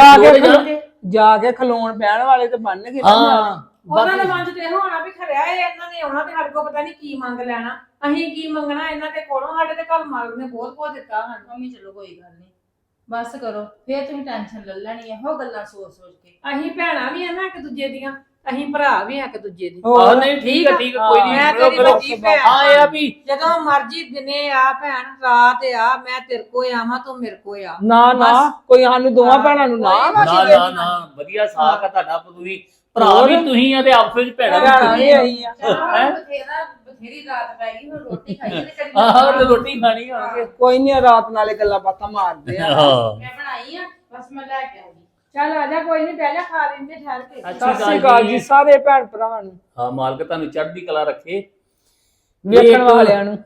S6: ਜਾ ਕੇ ਖਲੋਣ ਬਹਿਣ ਵਾਲੇ ਤੇ ਬਣਨਗੇ ਨਾ ਨਿਆਣੇ।
S3: ਹਾਂ
S1: ਉਹਨਾਂ ਦੇ
S3: ਬਾਕੀ
S1: ਮਨ 'ਚ ਤੇ ਇਹੋ ਹੋਣਾ ਵੀ ਖਰਿਆ ਇਹ ਇਹਨਾਂ ਨੇ ਆਉਣਾ ਤੇ ਸਾਡੇ ਕੋਲ ਪਤਾ ਨਹੀਂ ਕੀ ਮੰਗ ਲੈਣਾ ਅਸੀਂ ਕੀ ਮੰਗਣਾ ਇਹਨਾਂ ਦੇ ਕੋਲੋਂ ਸਾਡੇ ਤੇ ਘਰ ਮਾਲਕ ਨੇ ਬਹੁਤ ਕੁਝ ਦਿੱਤਾ ਸਾਨੂੰ।
S7: ਮੰਮੀ ਚਲੋ ਕੋਈ ਗੱਲ ਨਹੀਂ ਬਸ ਕਰੋ ਫੇਰ ਤੁਸੀਂ ਟੈਨਸ਼ਨ ਲੈ ਲੈਣੀ ਇਹੋ ਗੱਲਾਂ ਸੋਚ ਕੇ।
S1: ਅਸੀਂ ਭੈਣਾਂ ਵੀ ਆ ਨਾ ਇੱਕ ਦੂਜੇ ਦੀਆਂ ਅਸੀਂ ਭਰਾ ਵੀ ਆ ਇੱਕ ਦੂਜੇ ਦੇ।
S3: ਆਹ
S6: ਹੋਰ
S3: ਨਹੀਂ ਠੀਕ ਆ ਕੋਈ ਨਹੀਂ
S1: ਮੈਂ ਤੇਰੀ ਵੱਡੀ ਭੈਣ
S3: ਹਾਂ ਇਹ ਆ ਵੀ
S1: ਜਦੋਂ ਮਰਜੀ ਦਿਨੇ ਆ ਭੈਣ ਰਾਤ ਆ ਮੈਂ ਤੇਰੇ ਕੋ ਆਵਾਂ ਤੂੰ ਮੇਰੇ ਕੋ ਆ।
S6: ਨਾ
S1: ਬਸ।
S6: ਕੋਈ ਸਾਨੂੰ ਦੋਵਾਂ ਭੈਣਾਂ ਨੂੰ ਨਾ
S1: ਕੋਈ
S3: ਨਾ ਨਾ ਨਾ ਵਧੀਆ ਸਾਖ ਆ ਤੁਹਾਡਾ ਤੁਸੀਂ ਭਰਾ ਵੀ ਤੁਸੀਂ ਆ ਤੇ ਆਪਸ ਵਿੱਚ ਭੈਣਾਂ
S6: ਭੈਣਾਂ
S3: ਵੀ
S6: ਵੀ ਅਸੀਂ ਆ।
S7: ਚਲੋ ਬਥੇਰੀ ਰਾਤ ਪੈ ਗਈ ਹੁਣ ਰੋਟੀ ਖਾਈਏ ਤੇ ਕਦੀ
S3: ਆਹ ਤੇ ਰੋਟੀ ਖਾਣੀ ਹੋਣਗੇ
S6: ਕੋਈ ਨਹੀਂ ਰਾਤ ਨਾਲੇ ਗੱਲਾਂ ਬਾਤਾਂ ਮਾਰਦੇ ਆ।
S3: ਹਾਂ
S7: ਮੈਂ ਬਣਾਈ ਆ ਬਸ ਮੈਂ ਲੈ ਕੇ ਆਉਂਗੀ।
S1: ਚੱਲ ਆ ਜਾ, ਕੋਈ ਨਹੀਂ, ਬਹਿ ਜਾ, ਖਾ ਲੈਂਦੇ ਠਹਿਰ ਕੇ।
S6: ਸਤਿ ਸ੍ਰੀ ਅਕਾਲ ਜੀ ਸਾਰੇ ਭੈਣ ਭਰਾਵਾਂ ਨੂੰ,
S3: ਹਾਂ ਮਾਲਕ ਤੁਹਾਨੂੰ ਚੜ੍ਹਦੀ ਕਲਾ ਰੱਖੇ।
S6: ਵੇਖਣ ਵਾਲਿਆਂ ਨੂੰ।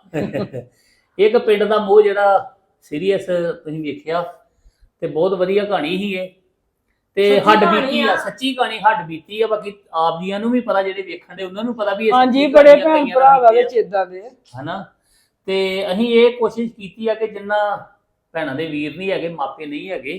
S3: ਇੱਕ ਪਿੰਡ ਦਾ ਮੋਹ ਜਿਹੜਾ ਸੀਰੀਅਸ ਤੁਸੀਂ ਵੇਖਿਆ ਤੇ ਬਹੁਤ ਵਧੀਆ ਕਹਾਣੀ ਸੀ ਇਹ, ਤੇ
S1: ਸੱਚੀ
S3: ਹੱਡ
S1: ਕਹਾਣੀ
S3: ਬੀਤੀ
S1: ਆ।
S3: ਆ, ਸੱਚੀ ਕਹਾਣੀ ਹੱਡ ਬੀਤੀ ਆ। ਬਾਕੀ ਆਪ ਜੀਆਂ ਨੂੰ ਵੀ ਪਤਾ, ਜਿਹੜੇ ਵੇਖਣ ਦੇ ਉਹਨਾਂ ਨੂੰ ਪਤਾ ਵੀ ਇਹ
S6: ਹਾਂਜੀ
S3: ਸੱਚੀ
S6: ਬੜੇ
S3: ਕਹਾਣੀਆਂ
S6: ਭੈਣ
S3: ਕਈਆਂ
S6: ਭਰਾ
S3: ਨਾਲ
S6: ਵਿੱਚ
S3: ਬੀਤੀਆਂ,
S6: ਇਦਾਂ ਦੇ।
S3: ਹਨਾ। ਤੇ ਅਸੀਂ ਇਹ ਕੋਸ਼ਿਸ਼ ਕੀਤੀ ਆ ਕਿ ਜਿੰਨਾ ਭੈਣਾਂ ਦੇ ਵੀਰ ਨਹੀਂ ਹੈਗੇ, ਮਾਪੇ ਨਹੀਂ ਹੈਗੇ,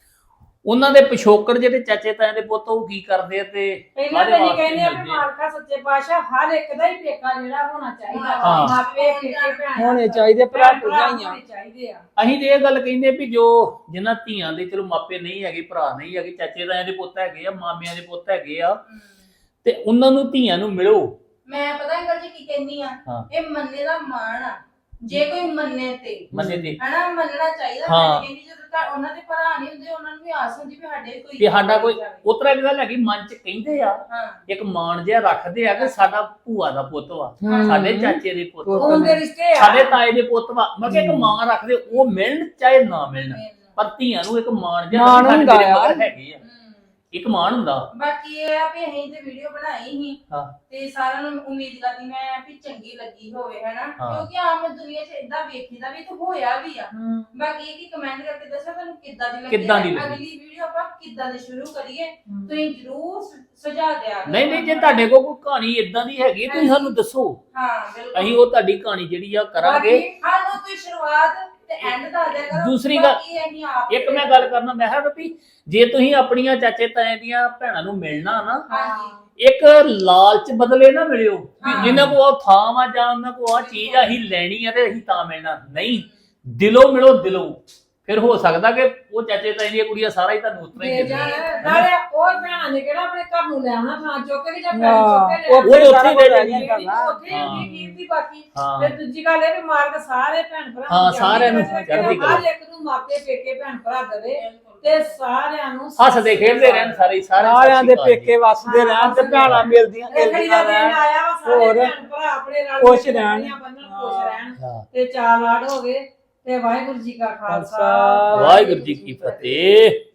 S3: ਉਹਨਾਂ ਦੇ ਪਿਛੋਕੜ ਜਿਹੜੇ ਚਾਚੇ ਤਾਏ ਦੇ ਪੁੱਤ ਉਹ ਕੀ ਕਰਦੇ ਆ ਤੇ
S1: ਪਹਿਲਾਂ
S3: ਕਾਹਦੇ
S1: ਤਾਂ ਇਹ
S3: ਵਾਸਤੇ
S1: ਕਹਿੰਦੇ ਆ ਵੀ
S3: ਮਿਲਦੇ ਆ।
S1: ਮਾਲਕਾ ਸੱਚੇ ਪਾਤਸ਼ਾਹ ਹਰ ਇੱਕ ਦਾ ਹੀ ਪੇਕਾ ਜਿਹੜਾ ਹੋਣਾ ਚਾਹੀਦਾ,
S3: ਹਾਂ।
S1: ਮਾਪੇ ਪੇਕੇ ਭੈਣ
S6: ਹੋਣੇ ਚਾਹੀਦੇ, ਭਰਾ ਭਰਜਾਈਆਂ।
S1: ਹੋਣੇ ਚਾਹੀਦੇ ਆ।
S3: ਅਸੀਂ ਤੇ ਇਹ ਗੱਲ ਕਹਿੰਦੇ ਵੀ ਜੋ ਜਿਨ੍ਹਾਂ ਧੀਆਂ ਦੇ ਚਲੋ ਮਾਪੇ ਨਹੀਂ ਹੈਗੇ, ਭਰਾ ਨਹੀਂ ਹੈਗੇ, ਚਾਚੇ ਤਾਇਆਂ ਦੇ ਪੁੱਤ ਹੈਗੇ ਆ, ਮਾਮਿਆਂ ਦੇ ਪੁੱਤ ਹੈਗੇ ਆ, ਤੇ ਉਹਨਾਂ ਨੂੰ ਧੀਆਂ ਨੂੰ ਮਿਲੋ।
S7: ਮੈਂ ਪਤਾ ਅੰਕਲ ਜੀ ਕੀ ਕਹਿੰਨੀ ਆ,
S3: ਹਾਂ।
S7: ਇਹ ਮੰਨੇ ਦਾ ਮਾਣ ਆ। ਜੇ ਕੋਈ ਮੰਨੇ ਤੇ
S3: ਮੰਨੇ ਤੇ
S7: ਹਨਾ ਮੰਨਣਾ ਚਾਹੀਦਾ।
S3: ਹਾਂ।
S7: ਮੈਂ ਕਹਿੰਦੀ ਜਦੋਂ ਤੱਕ ਉਹਨਾਂ ਦੇ ਭਰਾ ਨਹੀਂ ਹੁੰਦੇ, ਉਹਨਾਂ ਨੂੰ ਵੀ ਆਸ ਹੁੰਦੀ ਵੀ ਸਾਡੇ ਕੋਈ
S3: ਵੀ ਸਾਡਾ ਕੋਈ ਉਤਰਾ ਇੱਕ ਗੱਲ ਹੈਗੀ, ਮਨ ਚ ਕਹਿੰਦੇ ਆ,
S7: ਹਾਂ
S3: ਇੱਕ ਮਾਣ ਜਿਹਾ ਰੱਖਦੇ ਆ ਕਿ ਸਾਡਾ ਭੂਆ ਦਾ ਪੁੱਤ ਵਾ, ਸਾਡੇ ਚਾਚੇ ਦੇ ਪੁੱਤ ਵਾ,
S1: ਉਹਦੇ ਰਿਸ਼ਤੇ ਆ।
S3: ਸਾਡੇ ਤਾਏ ਦੇ ਪੁੱਤ ਵਾ। ਮੈਂ ਕਿਹਾ ਇੱਕ ਮਾਣ ਰੱਖਦੇ, ਉਹ ਮਿਲਣ ਚਾਹੇ ਨਾ ਮਿਲਣ, ਪਰ ਧੀਆਂ ਨੂੰ ਇੱਕ ਮਾਣ ਜਿਹਾ
S6: ਮਾਣ
S3: ਸਾਡੇ
S6: ਹੁੰਦਾ
S3: ਮੇਰੇ
S6: ਆ।
S3: ਮਗਰ ਹੈਗੇ ਆ, ਇੱਕ ਮਾਣ ਹੁੰਦਾ।
S7: ਬਾਕੀ ਇਹ ਆ ਵੀ ਅਸੀਂ ਤੇ ਵੀਡੀਓ ਬਣਾਈ ਸੀ
S3: ਹਾਂ।
S7: ਤੇ ਸਾਰਿਆਂ ਨੂੰ ਉਮੀਦ ਕਰਦੀ ਮੈਂ ਵੀ ਚੰਗੀ ਲੱਗੀ ਹੋਵੇ ਹਨਾ,
S3: ਹਾਂ।
S7: ਕਿਉਂਕਿ ਆਮ ਦੁਨੀਆ 'ਚ ਇਦਾਂ ਵੇਖੀਦਾ ਵੀ ਤੇ ਹੋਇਆ ਵੀ ਆ।
S1: ਹਮ।
S7: ਬਾਕੀ ਇਹ ਕਿ ਕਮੈਂਟ ਕਰਕੇ ਦੱਸੋ ਤੁਹਾਨੂੰ ਕਿੱਦਾਂ ਦੀ
S3: ਕਿੱਦਾਂ ਦੀ
S7: ਲੱਗੀ।
S3: ਲੱਗੀ।
S7: ਅਗਲੀ ਵੀਡੀਓ ਆਪਾਂ ਕਿੱਦਾਂ ਦੀ ਸ਼ੁਰੂ ਕਰੀਏ, ਤੁਸੀਂ ਜਰੂਰ ਸੁਝਾ ਦਿਆ ਕਰੋ।
S3: ਨਹੀਂ ਜੇ ਤੁਹਾਡੇ ਕੋਲ ਕੋਈ ਕਹਾਣੀ ਇਦਾਂ ਦੀ ਹੈਗੀ ਹੈ, ਤੁਸੀਂ ਸਾਨੂੰ ਦੱਸੋ,
S7: ਹਾਂ ਬਿਲਕੁਲ।
S3: ਅਸੀਂ ਉਹ ਤੁਹਾਡੀ ਕਹਾਣੀ ਜਿਹੜੀ ਆ ਕਰਾਂਗੇ।
S7: ਬਾਕੀ ਸਾਨੂੰ ਕੋਈ ਸ਼ੁਰੂਆਤ ਤੇ ਐਂਡ ਦੱਸ ਦਿਆ ਕਰੋ।
S3: ਦੂਸਰੀ ਗੱਲ,
S7: ਬਾਕੀ ਅਸੀਂ ਆਪ
S3: ਇੱਕ ਮੈਂ ਗੱਲ ਕਰਨਾ, ਮੈਂ ਕਿਹਾ ਵੀ ਜੇ ਤੁਸੀਂ ਆਪਣੀਆਂ ਚਾਚੇ ਤਾਏ ਦੀਆਂ ਭੈਣਾਂ ਨੂੰ ਮਿਲਣਾ ਨਾ,
S7: ਹਾਂਜੀ
S3: ਇੱਕ ਲਾਲਚ ਬਦਲੇ ਨਾ ਮਿਲਿਓ ਵੀ
S7: ਹਾਂ।
S3: ਜਿੰਨਾਂ ਕੋ ਉਹ ਥਾਂ ਵਾ ਜਾਂ ਉਹਨਾਂ ਕੋ ਆ ਚੀਜ਼ ਆ ਅਸੀਂ ਲੈਣੀ ਆ ਤੇ ਅਸੀਂ ਤਾਂ ਮਿਲਣਾ ਨਹੀਂ, ਦਿਲੋਂ ਮਿਲੋ ਦਿਲੋਂ। ਫਿਰ ਹੋ ਸਕਦਾ ਕਿ ਉਹ ਚਾਚੇ ਤਾਏ ਦੀਆਂ ਕੁੜੀਆਂ ਸਾਰਾ ਹੀ ਤੁਹਾਨੂੰ ਉਤਰਾ ਹੀ
S1: ਦੇ
S3: ਦੇ
S1: ਜਾਣ
S3: ਦੇਣ।
S1: ਨਾਲੇ ਉਹ ਭੈਣਾਂ ਨੇ ਕਿਹੜਾ ਆਪਣੇ ਘਰ ਨੂੰ ਲੈ ਆਉਣਾ, ਥਾਂ ਚੁੱਕ ਕੇ ਜਾਂ ਪੈਸੇ
S6: ਹਾਂ,
S1: ਚੁੱਕ ਕੇ ਲੈ
S3: ਉਹ
S1: ਆਉਣਾ।
S3: ਉੱਥੇ ਹੀ ਰਹਿ
S6: ਜਾਣੀਆਂ ਕਰਨਾ।
S1: ਉੱਥੇ ਹੀ ਕੀ ਦੀ ਬਾਕੀ।
S3: ਹਾਂ।
S1: ਫਿਰ ਦੂਜੀ ਗੱਲ ਇਹ ਵੀ ਮਾਲਕ ਸਾਰੇ ਭੈਣ ਭਰਾ
S3: ਹਾਂ, ਸਾਰਿਆਂ ਨੂੰ
S1: ਚੜ੍ਹਦੀ
S3: ਚੜ੍ਹਦੀ
S1: ਕਲਾ।
S3: ਕਲਾ।
S1: ਹਰ ਇੱਕ ਨੂੰ ਮਾਪੇ ਪੇਕੇ ਭੈਣ ਭਰਾ ਦੇਵੇ ਤੇ ਸਾਰਿਆਂ ਨੂੰ
S3: ਹੱਸਦੇ ਖੇਡਦੇ ਰਹਿਣ ਸਾਰੇ
S6: ਸਾਰਿਆਂ ਦੇ ਪੇਕੇ ਵਸਦੇ ਰਹਿਣ ਤੇ ਭੈਣਾਂ ਮਿਲਦੀਆਂ
S1: ਰੱਖੜੀ ਦਾ
S6: ਗਿਲਦੀਆਂ
S1: ਦਿਨ
S6: ਰਹਿਣ।
S1: ਆਇਆ ਵਾ, ਸਾਰੇ
S6: ਹੋਰ
S1: ਭੈਣ ਭਰਾ ਆਪਣੇ ਨਾਲ
S6: ਖੁਸ਼ ਰਹਿਣ।
S1: ਖੁਸ਼ ਰਹਿਣ
S3: ਹਾਂ।
S1: ਤੇ ਚਾਰ ਲਾੜ ਹੋ ਗਏ ਤੇ ਵਾਹਿਗੁਰੂ ਜੀ ਕਾ ਖਾਲਸਾ
S3: ਵਾਹਿਗੁਰੂ ਜੀ ਕੀ ਫਤਿਹ।